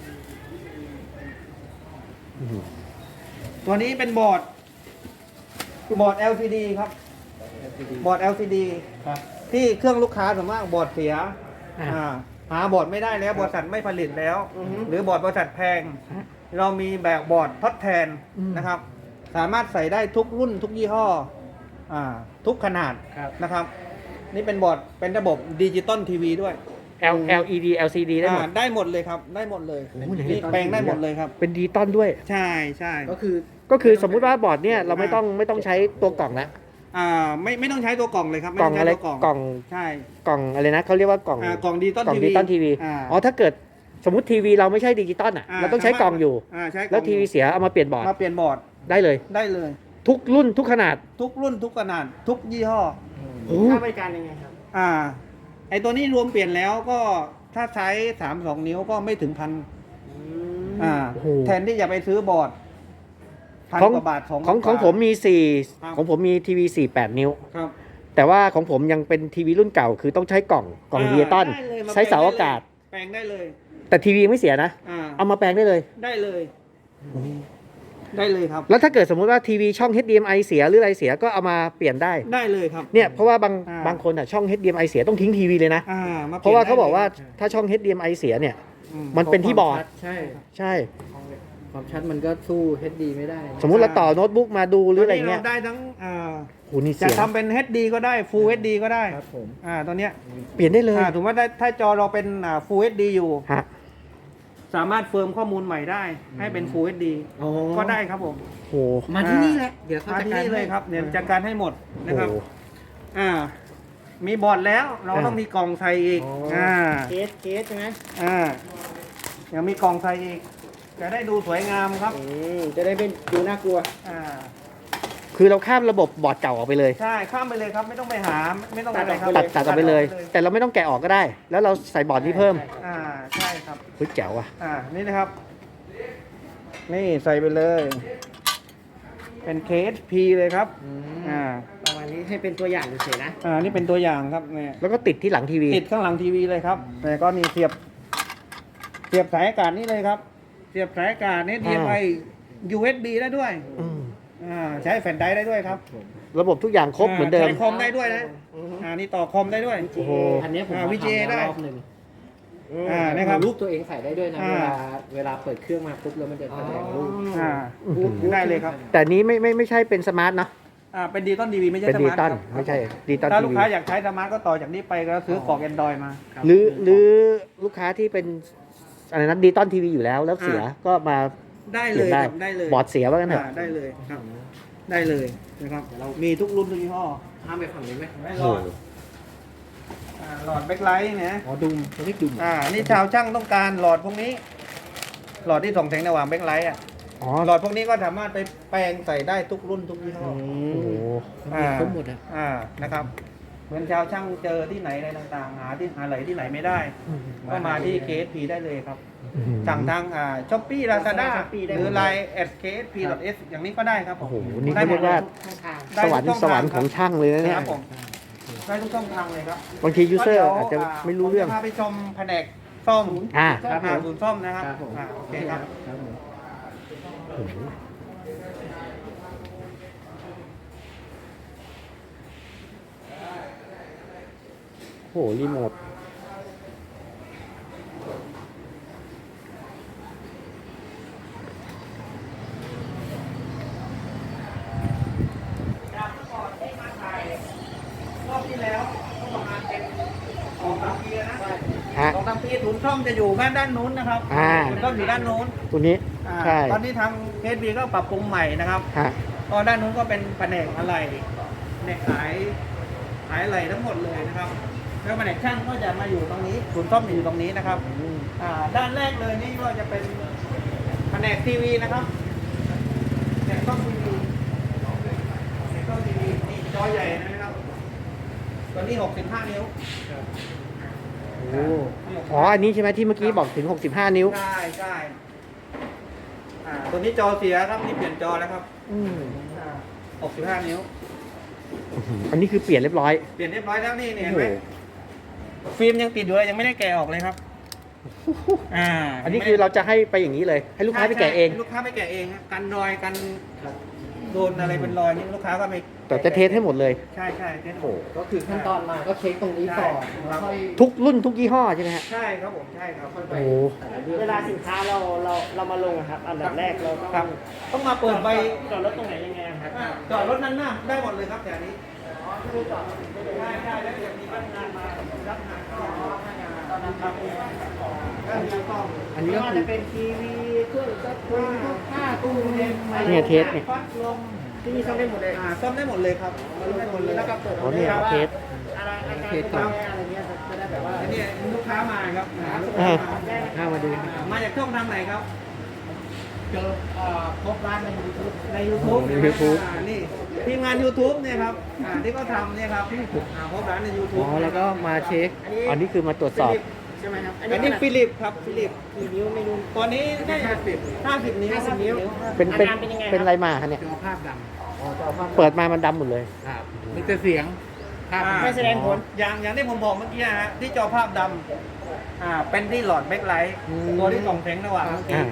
[SPEAKER 1] อื้อหือ
[SPEAKER 2] ตัวนี้เป็นบอร์ดบอร์ด แอล ซี ดี ครับ บอร์ด แอล ซี ดี
[SPEAKER 3] ครับ
[SPEAKER 2] ที่เครื่องลูกค้าส่วนมากบอร์ดเสีย
[SPEAKER 1] อ่ะ
[SPEAKER 2] อ่าหาบอร์ดไม่ได้แล้วบริษัทไม่ผลิตแล้ว
[SPEAKER 5] อือฮึ
[SPEAKER 2] หรือบอร์ดบริษัทแพง
[SPEAKER 1] ฮะ
[SPEAKER 2] เรามีแบบบอร์ดทดแทน
[SPEAKER 1] อืม
[SPEAKER 2] นะครับ สามารถใส่ได้ทุกรุ่นทุกยี่ห้ออ่าทุกขนาด
[SPEAKER 3] ครับ
[SPEAKER 2] นะครับ นี่เป็นบอร์ดเป็นระบบดิจิตอลทีวีด้วย
[SPEAKER 1] L LED แอล ซี ดี ได้หมด
[SPEAKER 2] อ่าได้หมดเลยครับ ได้หมดเลย
[SPEAKER 1] โอ้โหไหน
[SPEAKER 2] นี่แปลงได้หมดเลยครับ
[SPEAKER 1] เป็นดิจิตอลด้วย
[SPEAKER 2] ใช่ใช่
[SPEAKER 3] ก็คือ
[SPEAKER 1] ก็คือสมมุติว่าบอร์ดเนี่ยเราไม่ต้องไม่ต้องใช้ตัวกล่องละ
[SPEAKER 2] อ่าไม่ไม่ต้องใช้ตัวกล่องเลยครับ
[SPEAKER 1] กล่อง
[SPEAKER 2] ม่
[SPEAKER 1] อะไร
[SPEAKER 2] ต้ใช้ตัว
[SPEAKER 1] กล่อง
[SPEAKER 2] ใช่
[SPEAKER 1] กล่องอะไรนะเขาเรียกว่ากล่อง
[SPEAKER 2] อ่ากล่องดิจิตอล
[SPEAKER 1] กล่อง
[SPEAKER 2] ที
[SPEAKER 1] ดิ
[SPEAKER 2] วี
[SPEAKER 1] จิตอลทีวี
[SPEAKER 2] อ่า
[SPEAKER 1] อ๋อถ้าเกิดสมมติทีวีเราไม่ใช่ดิจิตอลอ่ะ
[SPEAKER 2] อ่า
[SPEAKER 1] เราต้องใช้กล่องอยู่
[SPEAKER 2] อ่าใช้กล่อง
[SPEAKER 1] แล้วทีวีเสียเอามาเปลี่ยนบอร์ด
[SPEAKER 2] มาเปลี่ยนบอร์ด
[SPEAKER 1] ได้เลย
[SPEAKER 2] ได้เลย
[SPEAKER 1] ทุกรุ่นทุกขนาด
[SPEAKER 2] ทุกรุ่นทุกขนาดทุกยี่ห้อ
[SPEAKER 1] โอ้
[SPEAKER 5] ค่าบริการยังไงครับ
[SPEAKER 2] อ่า ไอตัวนี้รวมเปลี่ยนแล้วก็ถ้าใช้สามสองนิ้วก็ไม่ถึงพันอ่า
[SPEAKER 1] โอ้โห
[SPEAKER 2] แทนที่จะไปซื้อบอร์ดพัน
[SPEAKER 1] ของ
[SPEAKER 2] กว่าบาทสอง
[SPEAKER 1] ของของผมมีสี่
[SPEAKER 2] ครับ
[SPEAKER 1] ของผมมีทีวีสี่แปดนิ้ว
[SPEAKER 2] ครับ
[SPEAKER 1] แต่ว่าของผมยังเป็นทีวีรุ่นเก่า คือต้องใช้กล่องกล่องดิจิตอล
[SPEAKER 2] ได้เลยม
[SPEAKER 1] ใช้เสาอากาศ
[SPEAKER 2] แปลงได้เลย
[SPEAKER 1] แต่ทีวีไม่เสียนะ
[SPEAKER 2] อ่า
[SPEAKER 1] เอามาแปลงได้เลย
[SPEAKER 2] ได้เลย
[SPEAKER 1] โ
[SPEAKER 2] ได้เลยครับ
[SPEAKER 1] แล้วถ้าเกิดสมมุติว่าทีวีช่อง เอช ดี เอ็ม ไอ เสียหรืออะไรเสียก็เอามาเปลี่ยนได้
[SPEAKER 2] ได้เลยครับ
[SPEAKER 1] เนี่ยเพราะว่าบาง
[SPEAKER 2] อ่า
[SPEAKER 1] บางคนอ่ะช่อง เอช ดี เอ็ม ไอ เสียต้องทิ้งทีวีเลยนะ
[SPEAKER 2] อ่ามา
[SPEAKER 1] เพราะว่า
[SPEAKER 2] ปลี่
[SPEAKER 1] เขา
[SPEAKER 2] ยน
[SPEAKER 1] บอกว่า
[SPEAKER 2] ได้เลย
[SPEAKER 1] ถ้าช่อง เอช ดี เอ็ม ไอ เสียเนี่ย
[SPEAKER 2] อื
[SPEAKER 1] มันเป็นที่บอร์ด
[SPEAKER 3] ใช่
[SPEAKER 1] ใช่
[SPEAKER 3] ความชัดมันก็สู้ เอช ดี ไม่ได้
[SPEAKER 1] สมมุติเราต่อโน้ตบุ๊กมาดูหรืออะไร
[SPEAKER 2] ตนนี้
[SPEAKER 1] เงี้ย
[SPEAKER 2] เราได้ทั้งอ่า
[SPEAKER 1] โหนี่
[SPEAKER 2] จะ
[SPEAKER 1] เสียง
[SPEAKER 2] ทำเป็น เอช ดี ก็ได้ Full เอช ดี ก็ได้
[SPEAKER 3] ครับผม
[SPEAKER 2] อ่าตัวเนี้ย
[SPEAKER 1] เปลี่ยนได้เลย
[SPEAKER 2] อ่าถือว่าได้ถ้าจอเราเป็นอ่า Full เอช ดี อยู่
[SPEAKER 1] ฮะ
[SPEAKER 2] สามารถเฟิร์มข้อมูลใหม่ได้ ให้เป็น Full เอช ดี
[SPEAKER 3] อ๋อ
[SPEAKER 2] ก็ได้ครับผม
[SPEAKER 1] โห
[SPEAKER 3] มาที่นี่แหละ เดี๋ยวเขา
[SPEAKER 2] มา
[SPEAKER 3] จัด
[SPEAKER 2] ที่
[SPEAKER 3] การ
[SPEAKER 2] นี่เลยครับเดี๋ยวจัดการให้หมดนะครับ
[SPEAKER 1] โห
[SPEAKER 2] อ่ามีบอร์ดแล้วเรา
[SPEAKER 1] อ่า
[SPEAKER 2] ต้องมีกล่องใส่อีก
[SPEAKER 3] อ๋ออ่
[SPEAKER 2] อ่า
[SPEAKER 3] เคสเคสใช่ไหม
[SPEAKER 2] อ่ายังมีกล่องใส่อีกจะได้ดูสวยงามครับ
[SPEAKER 3] อืมจะได้เป็นดูน่ากลัว
[SPEAKER 2] อ่า
[SPEAKER 1] คือเราข้ามระบบบอร์ดเก่าออกไปเลย
[SPEAKER 2] ใช่ข้ามไปเลยครับไม่ต้องไปหาไม่ต้องอะไรครับ
[SPEAKER 1] ตัดตัดออกไปเลย แต่เราไม่ต้องแกะออกก็ได้ แล้วเราใส่บอร์ดนี้เพิ่ม
[SPEAKER 2] อ่าใช่ครับ
[SPEAKER 1] เฮ้ยแจ๋วอ่ะ
[SPEAKER 2] อ่านี่นะครับ นี่ใส่ไปเลย เป็น เค เอส พี เลยครับ
[SPEAKER 3] อืม
[SPEAKER 2] อ่า
[SPEAKER 3] ประมาณนี้ให้เป็นตัวอย่างเฉยๆนะ
[SPEAKER 2] อ่านี่เป็นตัวอย่างครับเนี่ย
[SPEAKER 1] แล้วก็ติดที่หลังทีวี
[SPEAKER 2] ติดข้างหลังทีวีเลยครับแต่ก็นี่เสียบเสียบสายอากาศนี่เลยครับ เสียบสายอากาศนี่เทียบไป ยู เอส บี ได้ด้วย
[SPEAKER 1] อืม
[SPEAKER 2] อ่าใช้แผ่นไดร์ได้ด้วยครับ
[SPEAKER 1] ระบบทุกอย่างครบเหมือนเดิม
[SPEAKER 2] ใช้คอมได้ด้วยนะอ่านี่ต่อคอมได้ด้วย
[SPEAKER 1] โอ้โห
[SPEAKER 3] อันเนี้ยผม
[SPEAKER 2] อ่า
[SPEAKER 3] มา
[SPEAKER 2] วี
[SPEAKER 3] ทำ
[SPEAKER 2] เจ
[SPEAKER 3] แล้ว
[SPEAKER 2] ได้
[SPEAKER 3] รอบหนึ่ง
[SPEAKER 2] อ่านะครับ
[SPEAKER 3] รูปตัวเองใส่ได้ด้วยนะ
[SPEAKER 2] อ่า
[SPEAKER 3] เวลาเวลาเปิดเครื่องมาปุ๊บแล้วมันจะแสดงรูป
[SPEAKER 2] อ่า
[SPEAKER 1] อืม
[SPEAKER 2] ได้เลยครับ
[SPEAKER 1] แต่นี้ไม่ไม่ไม่ใช่เป็นสมาร์ทเนอะ
[SPEAKER 2] อ่าเป็นดิจิตอลทีวีไม่ใช่
[SPEAKER 1] เป็น
[SPEAKER 2] ส
[SPEAKER 1] ดิ
[SPEAKER 2] มา
[SPEAKER 1] จิ
[SPEAKER 2] ร์ท
[SPEAKER 1] ตอล
[SPEAKER 2] ครับ
[SPEAKER 1] ไม่ใช่ดิจิตอล
[SPEAKER 2] ถ้า
[SPEAKER 1] ที
[SPEAKER 2] ลูก
[SPEAKER 1] วี
[SPEAKER 2] ค้าอยากใช้สมาร์ทก็ต่อจากนี้ไปก็ซื้อกล่อง Android มา
[SPEAKER 1] หรือหรือลูกค้าที่เป็นอะไรนะดิจิตอลทีวีอยู่แล้วแล้วเสีย
[SPEAKER 2] อ่า
[SPEAKER 1] ก็มา
[SPEAKER 2] ได้
[SPEAKER 1] เป
[SPEAKER 2] เล
[SPEAKER 1] ลี่ยน
[SPEAKER 2] ย
[SPEAKER 1] ได้
[SPEAKER 2] ครับได้เลย
[SPEAKER 1] บอร์ดเสียว่ากันเถอะ
[SPEAKER 2] อ่าได้เลยครับ ได้เลยนะครับมีทุกรุ่นทุกยี่ห้อ
[SPEAKER 3] ข้ามไปฝั่งนี้ไหม
[SPEAKER 2] ไม่
[SPEAKER 1] โอ้
[SPEAKER 2] หล
[SPEAKER 1] โห
[SPEAKER 2] อดอ่าหลอดแบ็คไลท์เนี่ย
[SPEAKER 3] อ๋อดุมเขาเรียกดุม
[SPEAKER 2] อ่านี่ชาวช่างต้องการหลอดพวกนี้ หลอดที่ส่องแสงสว่างแบ็คไลท์อ่ะ
[SPEAKER 1] อ๋อ
[SPEAKER 2] หลอดพวกนี้ก็สามารถไปแปลงใส่ได้ทุกรุ่นทุกยี่ห้อ
[SPEAKER 1] โอ้โห
[SPEAKER 3] มีครบหมดอ่ะ
[SPEAKER 2] อ่านะครับเหมือนชาวช่างเจอที่ไหนอะไรต่างๆ หาที่หาไหลที่ไหนไม่ได้ ก็มาที่ เค เอส พี ได้เลยครับ สั่งทางอ่าช้อปปี้ลาซาด้า
[SPEAKER 3] Shopee ได้
[SPEAKER 2] หรือ
[SPEAKER 3] หมด
[SPEAKER 2] ไลน์ แอท เค เอส พี ดอท เอส อย่างนี้ก็ได้ครับผม
[SPEAKER 1] โอ้โหนี่
[SPEAKER 2] ได้
[SPEAKER 1] เขา
[SPEAKER 2] หม
[SPEAKER 1] เรี
[SPEAKER 2] ด
[SPEAKER 1] ยกว่า
[SPEAKER 3] ช่องทาง
[SPEAKER 2] ได้
[SPEAKER 1] สวรร
[SPEAKER 2] ทุ
[SPEAKER 1] ค์
[SPEAKER 2] ก
[SPEAKER 1] ส
[SPEAKER 2] ช่
[SPEAKER 1] วรรค์
[SPEAKER 2] ทา
[SPEAKER 1] ของช่างเลยนะเนี่ย
[SPEAKER 2] ครับผมได้ทุกช่องทางเลยครับ
[SPEAKER 1] บางทียูเซอร์
[SPEAKER 2] ก็ดี๋ยว
[SPEAKER 1] อาจจะไม่รู้เรื่อง
[SPEAKER 2] ผมจะพาไปชมแผนกซ่อม
[SPEAKER 1] อ่า
[SPEAKER 3] ครับผม
[SPEAKER 2] อ่าศูนย์ซ่อมนะครับ
[SPEAKER 3] ครับผม
[SPEAKER 2] อ่าโอเคครับ
[SPEAKER 3] ครับผม
[SPEAKER 1] โอ้โหโอ้โหรีโมท
[SPEAKER 2] จากเมื่อก่อนที่มาถ่ายรอบที่แล้วก็ประมาณเป็นสองสามปีแล้วนะ
[SPEAKER 1] ฮะ
[SPEAKER 2] สองสามปีศูนย์ซ่อมจะอยู่ด้านด้านนู้นนะครับ
[SPEAKER 1] อ่า
[SPEAKER 2] ศูนย์ซ่อมอยู่ด้านนู้น
[SPEAKER 1] ตัวนี้
[SPEAKER 2] อ่า
[SPEAKER 1] ใช่
[SPEAKER 2] ตอนนี้ทางเคสบีก็ปรับปรุงใหม่นะครับ
[SPEAKER 1] ฮะ
[SPEAKER 2] ก็ด้านนู้นก็เป็นแผนกอะไรเนี่ยขายขายอะไรทั้งหมดเลยนะครับ แล้วแผนกช่างก็จะมาอยู่ตรงนี้ศูนย์ซ่อมจะอยู่ตรงนี้นะครับอ่าด้านแรกเลยนี่ก็จะเป็นแผนกทีวีนะครับแผนกกล้องทีวีแผนกกล้องทีวีนี่จอใหญ่นะครับตัวนี้หกสิบห้านิ้ว
[SPEAKER 1] โอ้อ๋อ อันนี้ใช่ไหมที่เมื่อกี้บอกถึง หกสิบห้า นิ้ว
[SPEAKER 2] ใช่ใช่อ่าตัวนี้จอเสียครับนี่เปลี่ยนจอแล้วครับ
[SPEAKER 1] อืม
[SPEAKER 2] อ่าหกสิบห้านิ้ว
[SPEAKER 1] อื้อหืออันนี้คือเปลี่ยนเรียบร้อย
[SPEAKER 2] เปลี่ยนเรียบร้อยแล้วนี่เนี่ย
[SPEAKER 1] โอ้
[SPEAKER 2] เห็น
[SPEAKER 1] โห
[SPEAKER 2] ไหมฟิล์มยังติดอยู่เลยยังไม่ได้แกะออกเลยครับ อ่า
[SPEAKER 1] อันนี้คือเราจะให้ไปอย่างนี้เลย ให้ลูกค้าไปแกะเอง
[SPEAKER 2] ใช่ลูกค้าไปแกะเองฮะกันรอยกันโดนอะไรเป็นรอยนี่ลูกค้าก็ไป
[SPEAKER 1] แต่จะเทสให้หมดเลย
[SPEAKER 2] ใช่ใช่เทส
[SPEAKER 1] โอ้โห
[SPEAKER 3] ก็คือขั้นตอนมาก็เช็คตรงนี้ก่อนแล้วค่อย
[SPEAKER 1] ทุกรุ่นทุกยี่ห้อใช่ไหมฮะ
[SPEAKER 2] ใช่ครับผมใช่ครับ
[SPEAKER 3] ค่อยไป
[SPEAKER 1] โอ้โห
[SPEAKER 3] แต่ละเรื่อง
[SPEAKER 5] เวลาสินค้าเราเราเรามาลงอะครับ อันดับแรกเราต้อง
[SPEAKER 2] ครับ ต้องมาเปิดใบ
[SPEAKER 5] จอดรถตรงไหนยังไงอะครับ
[SPEAKER 2] อ่าจอดรถนั้นหน้าได้หมดเลยครับแถวนี้ใช่ใช่แล้วเดี๋ยวมีพนักงานมารับงานก็ตอนนั้นครับก็มีกล้อง
[SPEAKER 1] อันนี้
[SPEAKER 5] ไม่
[SPEAKER 1] ก็
[SPEAKER 5] ว่า
[SPEAKER 1] คื
[SPEAKER 5] จะ
[SPEAKER 1] อ
[SPEAKER 5] เป็นทีวีเครื่องซักผ้าผ้าตู้เย็นอะไร
[SPEAKER 1] เนี่ยเทสเนี่ย
[SPEAKER 2] พัดลม
[SPEAKER 5] ที่นี่ซ่อมได้หมดเลย
[SPEAKER 2] อ่าซ่อมได้หมดเลยครับซ่อมได้หมดเลย
[SPEAKER 5] แล้วก็เปิด
[SPEAKER 1] อ๋อเนี่ย
[SPEAKER 5] ว่า
[SPEAKER 1] เทส
[SPEAKER 5] อะไรอาการเป็นยังไงอะไรเงี้ยจะได้แบบว่า
[SPEAKER 2] อันนี้ลูกค้ามาครับอ่าลูก
[SPEAKER 1] อ่า
[SPEAKER 2] ค้ามา
[SPEAKER 3] เข้ามาดู
[SPEAKER 2] มาจากช่องทางไหนครับ
[SPEAKER 5] เจอเอ่อพบร้านในยูทูบ
[SPEAKER 2] ใน YouTube
[SPEAKER 1] ใน YouTube
[SPEAKER 2] อ่านี่ทีมงาน YouTube เนี่ยครับอ่าที่เขาทำเนี่ยครับอ่าพบร้านใน
[SPEAKER 1] อ๋
[SPEAKER 2] YouTube
[SPEAKER 1] อ แล้วก็มาเช็ค อันนี้คือมาตรวจสอบ
[SPEAKER 5] ใช่ไหมครับ
[SPEAKER 2] อันนี้ฟิลิปครับฟิลิป
[SPEAKER 5] กี่นิ้วไม่รู้
[SPEAKER 2] ตัวนี้ได้ห้าสิบห้าสิบนิ้ว
[SPEAKER 5] ห้าสิบนิ้ว
[SPEAKER 1] เป็นเป็น
[SPEAKER 5] อาการเป็นยังไงครับ
[SPEAKER 1] เป็นอะไรมาคะเนี่ย
[SPEAKER 3] จอภาพด
[SPEAKER 5] อ๋อจอภาพ
[SPEAKER 1] เปิดมามันดำหมดเลย
[SPEAKER 3] ำครับมีแต่เสียงภาพ
[SPEAKER 2] อ่า
[SPEAKER 5] ไม่แสดงผล
[SPEAKER 2] อย่างอย่างที่ผมบอกเมื่อกี้ฮะที่จอภาพดำอ่าเป็นที่หลอดแบ็คไลท์
[SPEAKER 1] อืม
[SPEAKER 2] ตัวที่ส่องแสงสว่างเมื่อกี้
[SPEAKER 1] อ่า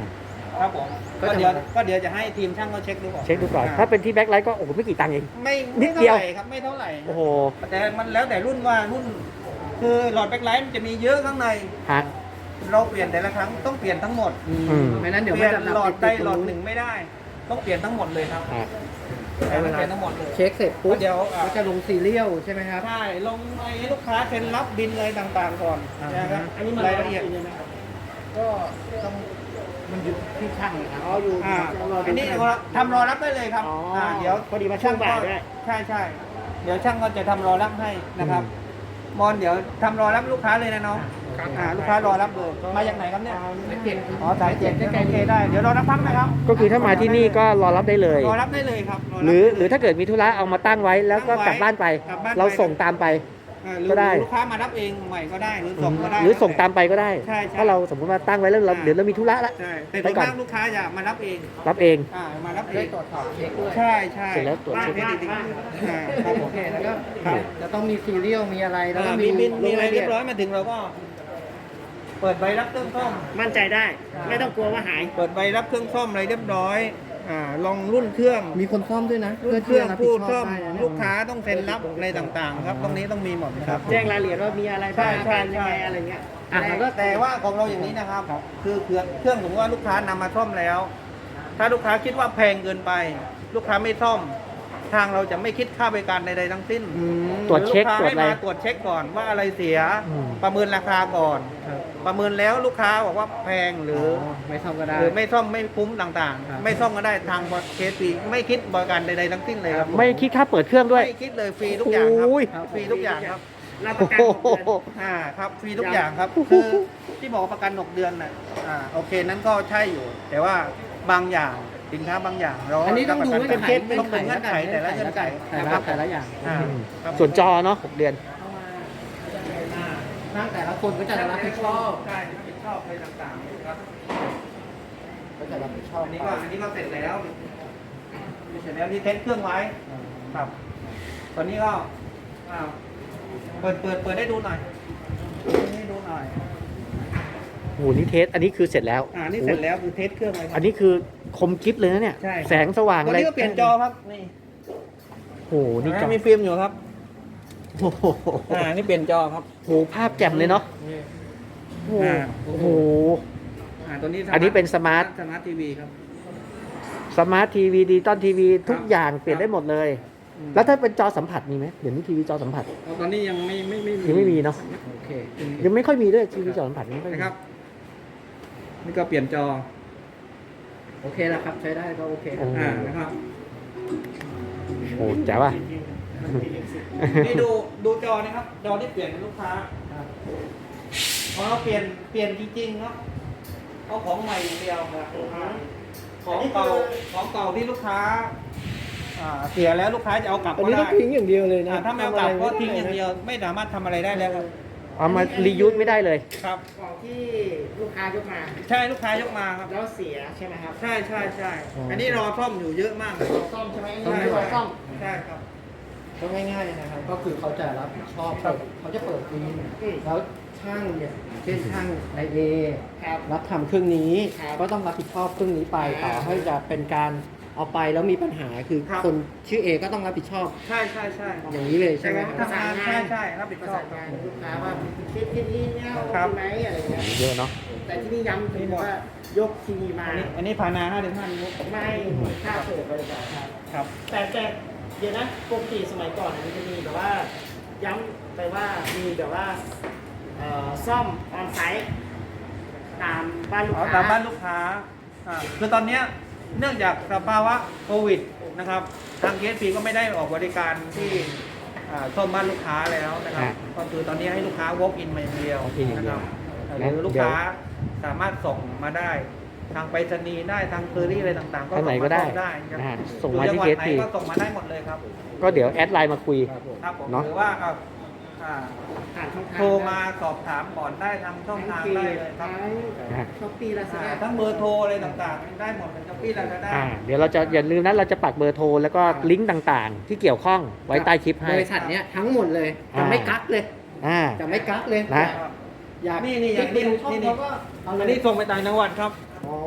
[SPEAKER 2] ครับผมก็เดี๋ยวก็เดี๋ยวจะให้ทีมช่างเขาเช็คดูก่อน
[SPEAKER 1] เช็คดูก่อน
[SPEAKER 2] า
[SPEAKER 1] ถ้าเป็นที่แบ็คไลท์ก็โอ้โหไม่กี่ตังค์เอง
[SPEAKER 2] ไม่
[SPEAKER 1] นิ
[SPEAKER 2] ไม่
[SPEAKER 1] ด
[SPEAKER 2] เท่า
[SPEAKER 1] เดียว
[SPEAKER 2] ไหร่ครับไม่เท่าไหร่
[SPEAKER 1] โอ้โห
[SPEAKER 2] แต่มันแล้วแต่รุ่นว่ารุ่น คือหลอดแบ็คไลท์มันจะมีเยอะข้างใน
[SPEAKER 1] ฮะ
[SPEAKER 2] เราเปลี่ยนแต่ละครั้งต้องเปลี่ยนทั้งหมด
[SPEAKER 1] อืม
[SPEAKER 3] ไม่นั้นเดี๋ยว
[SPEAKER 2] เปลี่ยน
[SPEAKER 3] ไม่จะ
[SPEAKER 2] หลอดใด
[SPEAKER 3] ติตรง
[SPEAKER 2] หลอด
[SPEAKER 3] นู้น
[SPEAKER 2] หนึ่งไม่ได้ ต้องเปลี่ยนทั้งหมดเลยครับ
[SPEAKER 1] ฮะ
[SPEAKER 2] เปลี่ยนทั้งหมดเลย
[SPEAKER 3] เช็คเสร็จปุ๊บ
[SPEAKER 2] เดี๋ยวอ่ะ
[SPEAKER 3] ก็จะลงซีเรียลใช่ไหมครับ
[SPEAKER 2] ใช่ลงไอ้ลูกค้าเซ็นรับบินอะไรต่างๆก่อน
[SPEAKER 3] อ่า
[SPEAKER 2] นะครับ
[SPEAKER 5] อันนี้มัน
[SPEAKER 2] รายละเอียด
[SPEAKER 5] ใช่ไหมครับ
[SPEAKER 2] ก็ต้อง
[SPEAKER 5] มันอยู่ที่ช่างนะครับอ๋ออยู่
[SPEAKER 2] อ่า
[SPEAKER 5] รอดู
[SPEAKER 2] อันนี้
[SPEAKER 5] ช่าง
[SPEAKER 2] ทำรอรับได้เลยครับ
[SPEAKER 5] อ๋ออ่
[SPEAKER 2] าเดี๋ยว
[SPEAKER 5] พอดีมาช่วงบ่ายด้วย
[SPEAKER 2] ใช่ใช่เดี๋ยวช่างก็จะทำรอรับให้นะครับมอนเดี๋ยวทำรอรับลูกค้าเลยนะน้องอ่าลูกค้ารอรับเลยมาจากไหนครับเนี่ยอ๋อสายเจ็ดใกล้ๆได้เดี๋ยวรอรับพักนะครับ
[SPEAKER 1] ก็คือถ้ามาที่นี่ก็รอรับได้เลย
[SPEAKER 2] รอรับได้เลยครับบ
[SPEAKER 1] หรือ
[SPEAKER 2] ได้เลย
[SPEAKER 1] หรือถ้าเกิดมีธุระเอามาตั้งไว้แล้วก็กลับบ้านไป
[SPEAKER 2] กลับบ้านไป
[SPEAKER 1] เราส่งตามไป
[SPEAKER 2] อ่าหรือ
[SPEAKER 1] ก็ได้
[SPEAKER 2] ลูกค้ามารับเองใหม่ก็ได้หรือส่งก็ได้
[SPEAKER 1] หรือส่งตามไปก็ได้
[SPEAKER 2] ใช่ใช่
[SPEAKER 1] ถ้าเราสมมติว่าตั้งไว้แล้วเราเดี๋ยวเรามีธุระละ
[SPEAKER 2] ใช่แต่
[SPEAKER 1] ไป
[SPEAKER 2] ส่วน
[SPEAKER 1] ก่อน
[SPEAKER 2] มากลูกค้าจะมารับเอง
[SPEAKER 1] รับเอง
[SPEAKER 2] อ่ามารับเอ
[SPEAKER 3] ได้
[SPEAKER 2] ง
[SPEAKER 3] ตรวจสอบเช็คด้วย
[SPEAKER 2] ใช่ใช่
[SPEAKER 1] เสร็จแล้วตรวจเช็ค
[SPEAKER 2] บ้านบ้านอ่าครับผม
[SPEAKER 3] โอเคแล้วก็
[SPEAKER 2] ครับ
[SPEAKER 3] จะต้องมีซีเรียลมีอะไรแล้วก็
[SPEAKER 2] อ่า
[SPEAKER 3] มี
[SPEAKER 2] มีบินมีอะไร
[SPEAKER 3] ลงา
[SPEAKER 2] เรียบร้อยมาถึงเราก็ เปิดใบรับเครื่องซ่อม
[SPEAKER 5] มั่นใจได้ ไม่ต้องกลัวว่าหาย
[SPEAKER 2] เปิดใบรับเครื่องซ่อมอะไรเรียบร้อยอ่าลองรุ่นเครื่อง
[SPEAKER 3] มีคนซ่อมด้วยนะ
[SPEAKER 2] รุ่นเครื่อง
[SPEAKER 3] ที่
[SPEAKER 2] ผู้
[SPEAKER 3] จะบผิ
[SPEAKER 2] ซ่อม
[SPEAKER 3] ได้นะเนี่ย
[SPEAKER 2] ลูกค้าต้องเซ็นรับอะไรต่างๆ ครับตรงนี้ต้องมีหมดนะครับ
[SPEAKER 5] แจ้งรายละเอียดว่ามีอะไร
[SPEAKER 2] ใช่
[SPEAKER 5] บ้าง
[SPEAKER 2] ใช่
[SPEAKER 5] เป็นยังไง
[SPEAKER 2] ใช่
[SPEAKER 5] อะไรเงี้ย
[SPEAKER 2] อ่ะแล้วแต่ว่าของเราอย่างนี้นะครับ คือเครื่องเครื่องสมมติว่าลูกค้านำมาซ่อมแล้ว ถ้าลูกค้าคิดว่าแพงเกินไป ลูกค้าไม่ซ่อม ทางเราจะไม่คิดค่าบริการใดๆทั้งสิ้น
[SPEAKER 3] อืม
[SPEAKER 1] ตรวจเช็ค
[SPEAKER 2] หอลูกค้า
[SPEAKER 1] ตรวจ
[SPEAKER 2] ให้
[SPEAKER 1] อะไร
[SPEAKER 2] มาตรวจเช็คก่อนว่าอะไรเสีย
[SPEAKER 1] อืม
[SPEAKER 2] ประเมินราคาก่อน ประเมินแล้วลูกค้าบอกว่าแพงหรือ
[SPEAKER 3] ไม่ซ่อมก็ได้
[SPEAKER 2] หรือไม่ซ่อมไม่คุ้มต่าง
[SPEAKER 3] ครับ
[SPEAKER 2] ๆ ไม่ซ่อมก็ได้ทางเคสฟรีไม่คิดบริการใดๆทั้งสิ้นเลยครับ
[SPEAKER 1] ไม่คิดค่าเปิดเครื่องด้วย
[SPEAKER 2] ไม่คิดเลยฟรีทุกอย่างครับ
[SPEAKER 1] โอ้ย
[SPEAKER 2] ฟรีทุกอย่างครับ
[SPEAKER 5] รับประกัน
[SPEAKER 1] โอ้
[SPEAKER 5] หกเดือน
[SPEAKER 1] โห
[SPEAKER 2] อ่าครับฟรีทุกอย่างครับ คือที่บอกว่าประกันหกเดือนน่ะอ่าโอเคนั้นก็ใช่อยู่ แต่ว่าบางอย่างสินค้าบางอย่างเรา
[SPEAKER 3] อันนี้ต้องดู
[SPEAKER 2] รับประ
[SPEAKER 3] เงื่อน
[SPEAKER 2] กั
[SPEAKER 3] ไข
[SPEAKER 2] ต้องดูเงื่อนไขแต่ละเงื่อนไข
[SPEAKER 3] แต่
[SPEAKER 2] นะค
[SPEAKER 3] ละ
[SPEAKER 2] รับ
[SPEAKER 3] แต่ละอย่าง
[SPEAKER 2] อ่าครับ
[SPEAKER 1] ส่วนจอเนาะหกเดือน
[SPEAKER 2] อ่า
[SPEAKER 3] นั่งแต่ละคนก็จะรับผิดชอบ
[SPEAKER 2] ใช่รับผิดชอบอะไรต่างๆครับ
[SPEAKER 3] ก็จะรับผิดชอบ
[SPEAKER 2] อันนี้ก็อันนี้ก็เสร็จแล้วเสร็จแล้วนี่เทสเครื่องไว้ครับตอนนี้ก็อ่าเปิดเปิดเปิดได้ดูหน่อยให้ดูหน่อย
[SPEAKER 1] โอ้โหนี่เทส อันนี้คือเสร็จแล้ว
[SPEAKER 2] อ่านี่เสร็จแล้วคือเทสเครื่องไว้ครั
[SPEAKER 1] อันนี้คือคมกิฟเลยนะเนี่ย
[SPEAKER 2] ใช่
[SPEAKER 1] แสงสว่าง
[SPEAKER 2] ตอน
[SPEAKER 1] อะไร
[SPEAKER 2] นี้ก็เปลี่ยนจอครับนี่
[SPEAKER 1] โอ้โหนี่จอ
[SPEAKER 2] มีฟิล์มอยู่ครับ
[SPEAKER 1] โอ้โห
[SPEAKER 2] อ่านี่เปลี่ยนจอครับ
[SPEAKER 1] โอ้โหภาพแจ่มเลยเนาะ โอ้โห
[SPEAKER 2] อ่า
[SPEAKER 1] โอ้โห
[SPEAKER 2] อ่าตัวนี้
[SPEAKER 1] อันนี้เป็นสมาร์ท
[SPEAKER 2] สมาร์ททีวีครับ
[SPEAKER 1] สมาร์ททีวีดิจิตอลทีวีทุกอย่างเปลี่ยนได้หมดเลย
[SPEAKER 2] อืม
[SPEAKER 1] แล้วถ้าเป็นจอสัมผัสมีไหมเดี๋ยวนี้ทีวีจอสัมผัส
[SPEAKER 2] ตอนนี้ยังไม่ไม่ไม่
[SPEAKER 1] ยังไม่มีเนาะ
[SPEAKER 3] โอเค
[SPEAKER 1] ยังไม่ค่อยมีด้วยทีวีจอสัมผัสยังไม่ค่อยมี
[SPEAKER 2] นะครับ นี่ก็เปลี่ยนจอ
[SPEAKER 3] โอเคแล้วครับใช้ได้ก็โอเค
[SPEAKER 1] โอ้โห
[SPEAKER 2] อ่านะครับ
[SPEAKER 1] โอ้โหแจ๋วอ่ะ
[SPEAKER 2] นี่ดูดูจอนะครับ จอที่เปลี่ยนเป็นลูกค้าพอเราเปลี่ยนเปลี่ยนจริงๆเนาะเอาของใหม่อย่างเดียวนะของเก่าของเก่าที่ลูกค้าอ่าเสียแล้วลูกค้าจะเอากลับ
[SPEAKER 3] อัน
[SPEAKER 2] ก็
[SPEAKER 3] นี้ต้
[SPEAKER 2] ได้
[SPEAKER 3] องทิ้งอย่างเดียวเลยนะ
[SPEAKER 2] อ่าถ้าไม่เอากลับก็ทิ้งอย่างเดียวไม่สามารถทำอะไรได้แล้วครับ
[SPEAKER 1] เอามารียูสไม่ได้เลย
[SPEAKER 2] ครับ
[SPEAKER 5] ของที่ลูกค้ายกมา
[SPEAKER 2] ใช่ลูกค้ายกมาครับ
[SPEAKER 5] แล้วเสียใช่ไหมครับ
[SPEAKER 2] ใช่ใช่ใช่
[SPEAKER 1] อ๋ออั
[SPEAKER 2] อันนี้รอซ่อมอยู่เยอะมากเลย
[SPEAKER 5] ซ่อมใช่ไหม
[SPEAKER 2] ใช่
[SPEAKER 5] รอซ่อม
[SPEAKER 2] ใช่ครับ
[SPEAKER 3] ก็ง่ายๆนะครับ ก็คือเขาจะรับผิดชอบ
[SPEAKER 2] ครับ
[SPEAKER 3] เขาจะเปิดฟิล์ม
[SPEAKER 5] อืม
[SPEAKER 3] แล้วช่างเนี่ยเช่นช่างในเอ
[SPEAKER 5] ครับ
[SPEAKER 3] รับทำเครื่องนี้
[SPEAKER 5] ครับ
[SPEAKER 3] ก็ต้องรับผิดชอบเครื่องนี้ไป
[SPEAKER 5] อ่า
[SPEAKER 3] ต่อให้จะเป็นการเอาไปแล้วมีปัญหาคือ
[SPEAKER 2] ครับ
[SPEAKER 3] คนชื่อเอก็ต้องรับผิดชอบ
[SPEAKER 2] ใช่ใช่ใช่
[SPEAKER 3] อย่างนี้เลยใช่ไหมครับ
[SPEAKER 2] ทำงานใช่ใช่รับผิด
[SPEAKER 5] ประ
[SPEAKER 2] ชอ
[SPEAKER 5] สา
[SPEAKER 2] บ
[SPEAKER 5] นงานกับลูกค้าว่าคิดที่นี่เนี่ย
[SPEAKER 2] ครับ
[SPEAKER 5] ใช่ไหมอะไรเงี้ย
[SPEAKER 1] เยอะเนาะ
[SPEAKER 5] แต่ที่นี่ย้ำถึงว่ายกทีวีมา
[SPEAKER 2] อันนี้อันนี้พานาห้าถึงห้านิ้ว
[SPEAKER 5] ไม่ค่าเปิดบริการครับ
[SPEAKER 2] ครับ
[SPEAKER 5] แต่แต่เดี๋ยวนะปกติสมัยก่อนมันจะมีแบบว่า ย้ำไปว่ามีแบบว่าเอ่อซ่อมออนไซต์ตามบ้านลูก
[SPEAKER 2] เอา
[SPEAKER 5] ค้า
[SPEAKER 2] ตามบ้านลูกค้าอ่าคือตอนเนี้ยเนื่องจากสภาวะโควิดนะครับ ทางเคสพีก็ไม่ได้ออกบริการที่อ่าซ่อมบ้านลูกค้าแล้วนะครับ
[SPEAKER 1] อ่า
[SPEAKER 2] ก็คือตอนนี้ให้ลูกค้า walk in มาอย่างเดียว
[SPEAKER 1] walk in อย่าง
[SPEAKER 2] นะ
[SPEAKER 1] เดี
[SPEAKER 2] ค
[SPEAKER 1] ยว
[SPEAKER 2] รับหรือลูก
[SPEAKER 1] เดี๋ยว
[SPEAKER 2] ค้าสามารถส่งมาได้ ทางไปรษณีย์ได้ทางเคอรี่อะไรต่างๆ ก็
[SPEAKER 1] ทางไหน
[SPEAKER 2] ส่ง
[SPEAKER 1] ก็
[SPEAKER 2] มา
[SPEAKER 1] ได้
[SPEAKER 2] ซ่อมได้ครับ
[SPEAKER 1] นะฮะส่งมาที่
[SPEAKER 2] อยู่จังหวัดไหน
[SPEAKER 1] เคสพี
[SPEAKER 2] ก็ส่งมาได้หมดเลยครับ
[SPEAKER 1] ก็เดี๋ยวแอดไลน์มาคุย
[SPEAKER 2] ครับผม
[SPEAKER 1] เนอะ
[SPEAKER 2] หรือว่าเอาอ่า
[SPEAKER 5] ผ่านช่องทาง
[SPEAKER 2] โทรมาสอบถามก่อนได้ทางช่องทางได้เลยครับ
[SPEAKER 1] นะฮะ
[SPEAKER 5] ช้อปปี้ลาซา
[SPEAKER 2] อ่า
[SPEAKER 5] ด้า
[SPEAKER 2] ทั้งเบอร์โทรอะไรต่างๆ ได้หมดเป็นช้อปปี้ลาซาด้า
[SPEAKER 1] อ่าเดี๋ยวเราจะอย่าลืมนะเราจะปักเบอร์โทรแล้วก็ลิงก์ต่างๆ ที่เกี่ยวข้องไว้ใต้คลิปให้
[SPEAKER 3] บริษัทเนี้ยทั้งหมดเลย
[SPEAKER 1] อ่า
[SPEAKER 3] จะไม่กักเลย
[SPEAKER 1] อ่า
[SPEAKER 3] จะไม่กักเลย
[SPEAKER 1] นะ
[SPEAKER 3] อยาก
[SPEAKER 2] นี่นี่
[SPEAKER 3] คลิก
[SPEAKER 2] นี่
[SPEAKER 3] ไปดูช่อง
[SPEAKER 2] นี่
[SPEAKER 3] เขาก็เอา
[SPEAKER 2] อัน
[SPEAKER 3] เล
[SPEAKER 2] นี้
[SPEAKER 3] ย
[SPEAKER 2] ส่งไปต่างจังหวัดครับ
[SPEAKER 3] อ๋อ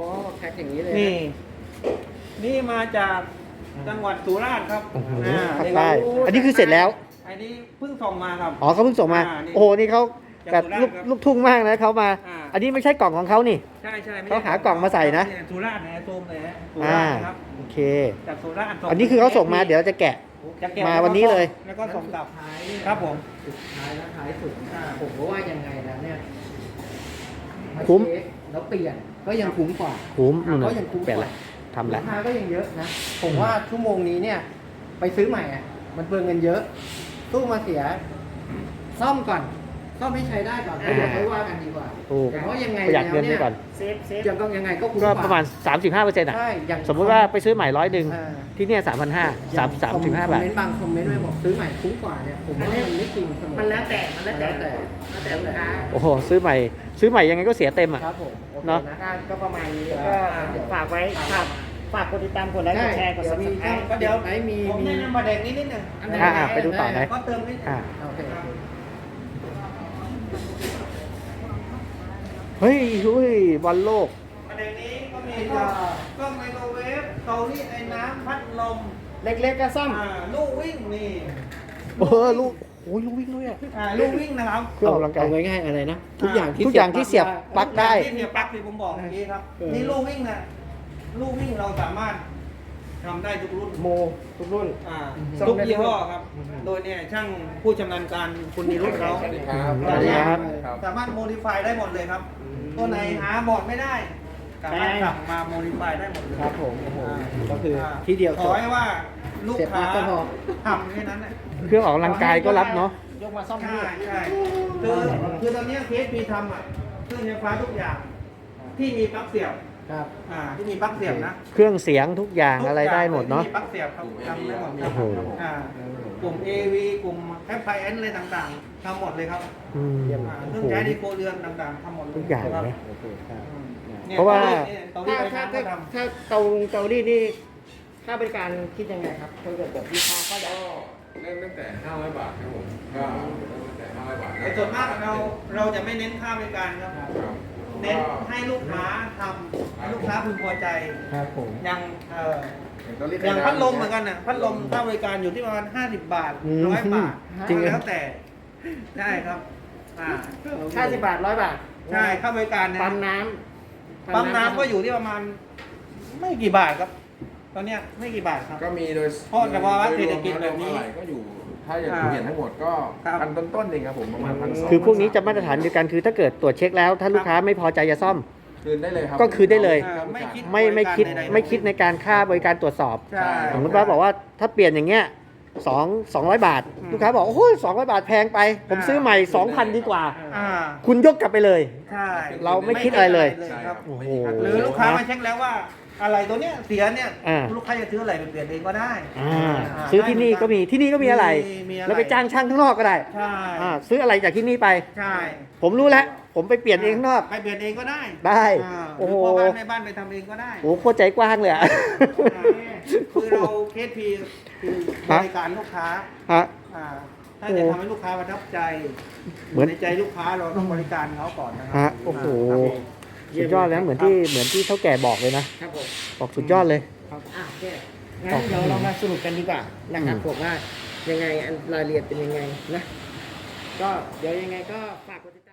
[SPEAKER 3] พ็คอย่างนี้เลยะ
[SPEAKER 2] นี่ นี่มาจากจังหวัดสุราษฎร์ครับ
[SPEAKER 1] โอ้โห
[SPEAKER 2] อ่า
[SPEAKER 1] ภาค
[SPEAKER 2] นี่
[SPEAKER 1] ใต้
[SPEAKER 2] ครับ
[SPEAKER 1] อันนี้คือเสร็จแล้ว
[SPEAKER 2] อันนี้เพิ่งส่งมาครับ
[SPEAKER 1] อ๋อเขาเพิ่งส่งมา
[SPEAKER 2] อ่านี่
[SPEAKER 1] โอ้โห นี่เขาแบบลูก
[SPEAKER 2] จากสุราษฎร์ครับ
[SPEAKER 1] ลูกทุ่งมากนะเขามา
[SPEAKER 2] อ่า
[SPEAKER 1] อันนี้ไม่ใช่กล่องของเขานี่
[SPEAKER 2] ใช่ใช่ไม่
[SPEAKER 1] เขา
[SPEAKER 2] ใช่
[SPEAKER 1] หากล่องมาใส่นะ
[SPEAKER 2] เยสุราษฎร์นะซูมเลยฮะสุ
[SPEAKER 1] อ่า
[SPEAKER 2] ราษฎร์ครับ
[SPEAKER 1] โอเค
[SPEAKER 2] จากสุราษฎร์ส่ง
[SPEAKER 1] อันนี้คือเขาส่งมาเดี๋ยวจะแกะ
[SPEAKER 2] จะเก็บ
[SPEAKER 1] มาวันนี้เลย
[SPEAKER 2] แล้วก็ส่งกลับ
[SPEAKER 3] ท้ายเนี่ย
[SPEAKER 2] ครับผม
[SPEAKER 3] สุดท้ายแล้วท้ายสุด
[SPEAKER 2] อ่า
[SPEAKER 3] ผมก็ว่ายังไงแล้วเนี่ย
[SPEAKER 1] คุ้ม
[SPEAKER 3] าเช็คแล้วเปลี่ยนก็ยังคุ้มกว่า
[SPEAKER 1] คุ้มนู่น
[SPEAKER 3] ก็
[SPEAKER 1] น่ะ
[SPEAKER 3] ยังคุ้ม
[SPEAKER 1] เปลี่ยน
[SPEAKER 3] ก
[SPEAKER 1] ละ
[SPEAKER 3] ว่า
[SPEAKER 1] ทำละ
[SPEAKER 3] ราคาก็ยังเยอะนะ ผมว่าชั่วโมงนี้เนี่ย ไปซื้อใหม่อ่ะ มันเปลืองเงินเยอะ ตู้มาเสีย ซ่อมก่อน ซ่อมให้ใช้ได้ก่อนแล้วเดี๋ยวค่อยว่ากันดีกว่า
[SPEAKER 1] ถูก
[SPEAKER 3] เพราะยังไง
[SPEAKER 1] ประหยัด
[SPEAKER 3] แล้ว
[SPEAKER 1] เงิน
[SPEAKER 3] เนี่
[SPEAKER 1] ไป
[SPEAKER 3] ย
[SPEAKER 1] ก่อน
[SPEAKER 5] เซฟเซฟ
[SPEAKER 3] ยังก็ยังไงก็คุ้ม
[SPEAKER 1] ก็
[SPEAKER 3] กว่า
[SPEAKER 1] ประมาณ สามสิบห้าเปอร์เซ็นต์อ่ะ
[SPEAKER 3] ใช่อย่าง
[SPEAKER 1] สมมุติว่าไปซื้อใหม่ร้อยหนึ่ง
[SPEAKER 3] อ่า
[SPEAKER 1] ที่เนี่ยสามพันห้าสามสามสิบห้าบาท
[SPEAKER 3] คอมเมนต์บางคอมเมนต์ไม่บอกซื้อใหม่คุ้มกว่าเนี่ย ผมว่ามันไม่จริงเสมอ
[SPEAKER 5] มันแล้วแต่มันแล้วแต่
[SPEAKER 3] แล้วแต่
[SPEAKER 5] แล้วแต่ลูกค้า
[SPEAKER 1] โอ้โห ซื้อใหม่ ซื้อใหม่ยังไงก็เสียเต็มอ่ะ
[SPEAKER 3] ครับผมโอเค
[SPEAKER 1] เนอะ
[SPEAKER 3] นะ
[SPEAKER 5] ก็ก็ประมาณนี้ก็ฝากไว้ฝากฝากกดติดตามกดไลค์กดแชร์กด
[SPEAKER 3] เดี๋ยวมี
[SPEAKER 5] subscribe
[SPEAKER 2] ก็เดี๋ยว
[SPEAKER 3] ไหนมี
[SPEAKER 2] ผม
[SPEAKER 3] มี
[SPEAKER 2] แนะนำประเด็นนี้นิดหนึง
[SPEAKER 3] อันไหน
[SPEAKER 1] อ่าอ่าไปดูต่อไหน
[SPEAKER 2] ก็เติมนิดหนึง
[SPEAKER 1] อ่า
[SPEAKER 3] โอเค
[SPEAKER 1] เฮ้ยอุ้ยบอลโลก
[SPEAKER 2] ประเด็นนี้ก็มีก็ก็ไมโครเวฟเตารีดไอ้น้ำพัดลม
[SPEAKER 5] เล็กๆก็ซ่อม
[SPEAKER 2] อ่าลูกวิ่งนี่
[SPEAKER 1] เออลูกโอ้ยลูกวิ่งด้วยอ่ะ
[SPEAKER 2] อ่าลูกวิ่งนะครับ
[SPEAKER 1] เครื่องออกกำลังกาย
[SPEAKER 3] เอาง่ายๆอะไรนะ ทุกอย่างที่
[SPEAKER 1] ทุกอย่างที่เสียบปลั๊กได้
[SPEAKER 2] ที่เสียบปลั๊กที่ผมบอกเมื่อกี้ครับ
[SPEAKER 3] เออ
[SPEAKER 2] นี่ลูกวิ่งนะลูกวิ่งเราสามารถทำได้ทุกรุ่น
[SPEAKER 3] โมทุกรุ่น
[SPEAKER 2] อ่า
[SPEAKER 3] ซ่อม
[SPEAKER 2] ทุก
[SPEAKER 3] ได้
[SPEAKER 2] ยี่ห้อ
[SPEAKER 3] ทุกรุ่น
[SPEAKER 2] ครับ โดยเนี่ยช่างผู้ชำนาญการคุณนิรุตเขา
[SPEAKER 6] สวัสดีครับ
[SPEAKER 1] สวัสดีครับ
[SPEAKER 2] สามารถโมดิฟายได้หมดเลยครับ ตัวไหนหาบอร์ดไม่ได้สามารถสั่งมาโมดิฟายได้หมดเลย
[SPEAKER 3] ครับผมโอ้โห
[SPEAKER 2] อ่า
[SPEAKER 3] ก็คือที่เดียว
[SPEAKER 2] ข
[SPEAKER 3] จ
[SPEAKER 2] อบ ให้ว่าลูก
[SPEAKER 3] เสียบปลั๊
[SPEAKER 2] ค้าก
[SPEAKER 3] ก็พอ
[SPEAKER 2] ทำแค่นั้นแหละ
[SPEAKER 1] เครื่องออกกำลังกายก็รับเนาะ
[SPEAKER 5] ยกมาซ่อม
[SPEAKER 2] ใช่
[SPEAKER 5] ที่
[SPEAKER 2] ใช่คือคือตอนเนี้เคสมีทำอ่ะเครื่องไฟฟ้าทุกอย่าง ที่มีปลั๊กเสียบ
[SPEAKER 3] ครับ
[SPEAKER 2] อ่าที่มีปลั๊กเสียบนะ
[SPEAKER 1] เครื่องเสียงทุกอย่างอะไรได้หมดเนาะ
[SPEAKER 2] ที่มีปลั๊กเสียบครับทำได้หมด
[SPEAKER 1] โอ้โห
[SPEAKER 2] อ่ากลุ่ม เอ วี กลุ่ม แอฟ ไอ เอ็น อะไรต่างๆทำหมดเลยครับ
[SPEAKER 1] อืม
[SPEAKER 2] อ่า
[SPEAKER 1] โอ้
[SPEAKER 2] เครื่อ
[SPEAKER 1] โห
[SPEAKER 2] งใช้ในครัวเรือนต่างๆทำหมดเลย
[SPEAKER 1] ทุกอย่าง
[SPEAKER 2] ครับ
[SPEAKER 1] นะ
[SPEAKER 3] โอเคครับ
[SPEAKER 2] นี่ย
[SPEAKER 1] เพราะว่า
[SPEAKER 2] เตารีด
[SPEAKER 5] ถ้า
[SPEAKER 2] ไฟ
[SPEAKER 5] ถ้า
[SPEAKER 2] ฟ้า
[SPEAKER 5] ถ้า
[SPEAKER 2] ก็ท
[SPEAKER 5] ถ้าเตาเตารีดนี่ค่าบริการคิดยังไงครับถ้าเกิดแบบลูกค้าเขาอยาก
[SPEAKER 6] ก็เริ่มตั้งแต่ห้าร้อยบาทครับผมก็เริ่มตั้งแต่ห้าร้อยบาท
[SPEAKER 2] ำแต่ส่วนมากเราเราจะไม่เน้นค่าบริการครับ
[SPEAKER 6] ครับ
[SPEAKER 2] เน้นให้ลูกค้าทำให้ลูกค้าพึงพอใจ
[SPEAKER 3] ครับผม
[SPEAKER 2] อย่างเอ่อ
[SPEAKER 6] อย่างตอนนี้
[SPEAKER 2] อย่างพัดลมเหมือนกันน่ะพัดลมค่าบริการอยู่ที่ประมาณห้าสิบบาท
[SPEAKER 1] อืม
[SPEAKER 2] ร้อยบาท
[SPEAKER 1] จริงเหรอ
[SPEAKER 2] แล้วแต่ได้ครับอ่า
[SPEAKER 5] ห้าสิบบาทร้อยบาท
[SPEAKER 2] ใช่ค่าบริการนะ
[SPEAKER 5] ปั๊มน้ำ
[SPEAKER 2] ปั๊มน้ำก็อยู่ที่ประมาณ ไม่กี่บาทครับ ตอนเนี้ยไม่กี่บาทครับ
[SPEAKER 6] ก็มีโดย
[SPEAKER 2] เพราะแต่ว่าเศรษฐกิจแบบนี้
[SPEAKER 6] โดยรวมแล้วอะไรก็อยู่ ถ้าอย่าง
[SPEAKER 2] อ่า
[SPEAKER 6] เปลี่ยนทั้งหมดก็
[SPEAKER 2] ครับ
[SPEAKER 6] พันต้นๆเองครับผมประมาณพันสอง
[SPEAKER 1] คือพวกนี้จะมาตรฐานเดียวกันคือถ้าเกิดตรวจเช็คแล้ว ถ้าลูกค้าไม่พอใจจะซ่อม
[SPEAKER 6] คืนได้เลยครับ
[SPEAKER 1] ก็คืนได้เลย
[SPEAKER 2] อ่าไม่คิด
[SPEAKER 1] ไม่ไม่คิด
[SPEAKER 2] บริการใๆ
[SPEAKER 1] ไม่คิดในการค่าบริการตรวจสอบ
[SPEAKER 2] ใช่
[SPEAKER 1] สมมติว่าบอกว่าถ้าเปลี่ยนอย่างเงี้ยสองสองร้อยบาท
[SPEAKER 2] อืม
[SPEAKER 1] ลูกค้าบอกโอ้ยสองร้อยบาทแพงไป ผมซื้อใหม่สองพันดีกว่า
[SPEAKER 2] อ่า
[SPEAKER 1] คุณยกกลับไปเลย
[SPEAKER 2] ใช่
[SPEAKER 1] เราไม่คิดอะไรเลย
[SPEAKER 6] ใช่
[SPEAKER 2] ครับ
[SPEAKER 1] โอ้โห
[SPEAKER 2] หรือลูกค้ามาเช็คแล้วว่าอะไรตัวเนี้ยเสียเนี่ย
[SPEAKER 1] อ่า
[SPEAKER 2] ลูกค้าจะซื้ออะไรไปเปลี่ยนเองก็ได้
[SPEAKER 1] อ่า
[SPEAKER 2] า
[SPEAKER 1] ซื้อที่นี่ก็มีที่นี่ก็มีอะไร
[SPEAKER 2] มีมีอะไร
[SPEAKER 1] แล้วไปจ้างช่างข้างนอกก็ได้
[SPEAKER 2] ใช่
[SPEAKER 1] อ่าซื้ออะไรจากที่นี่ไป
[SPEAKER 2] ใช่
[SPEAKER 1] ผมรู้แล้ว ผมไปเปลี่ยนเองข้างนอก
[SPEAKER 2] ไปเปลี่ยนเองก็ได้
[SPEAKER 1] ได้
[SPEAKER 2] อ่า
[SPEAKER 1] โอ้โห
[SPEAKER 2] หรือพ่อบ้านแม่บ้านไปทำเองก็ได้
[SPEAKER 1] โอ้โหโคตรใจกว้างเลยอะ
[SPEAKER 2] คือเราเคสพีคือบริการลูกค้า
[SPEAKER 1] ฮะ
[SPEAKER 2] อ่าถ้าจะทำให้ลูกค้าประทับใจ
[SPEAKER 1] เหมือน
[SPEAKER 2] ในใจลูกค้าเราต้องบริการเขาก่อนนะครั
[SPEAKER 1] ฮะโอ้โห
[SPEAKER 2] ครับผม
[SPEAKER 1] สุดยอดแล้วเหมือนที่เหมือนที่เท่าแก่บอกเลยนะ
[SPEAKER 5] ครับผม
[SPEAKER 1] บอกสุดยอดเลย
[SPEAKER 5] ครับอ่ะโอเคงั้นเดี๋ยวเรามาสรุปกันดีกว่านะครับ
[SPEAKER 1] อืม
[SPEAKER 5] ผมว่ายังไงอันรายละเอียดเป็นยังไงนะ ก็เดี๋ยวยังไงก็ฝากกดติดตาม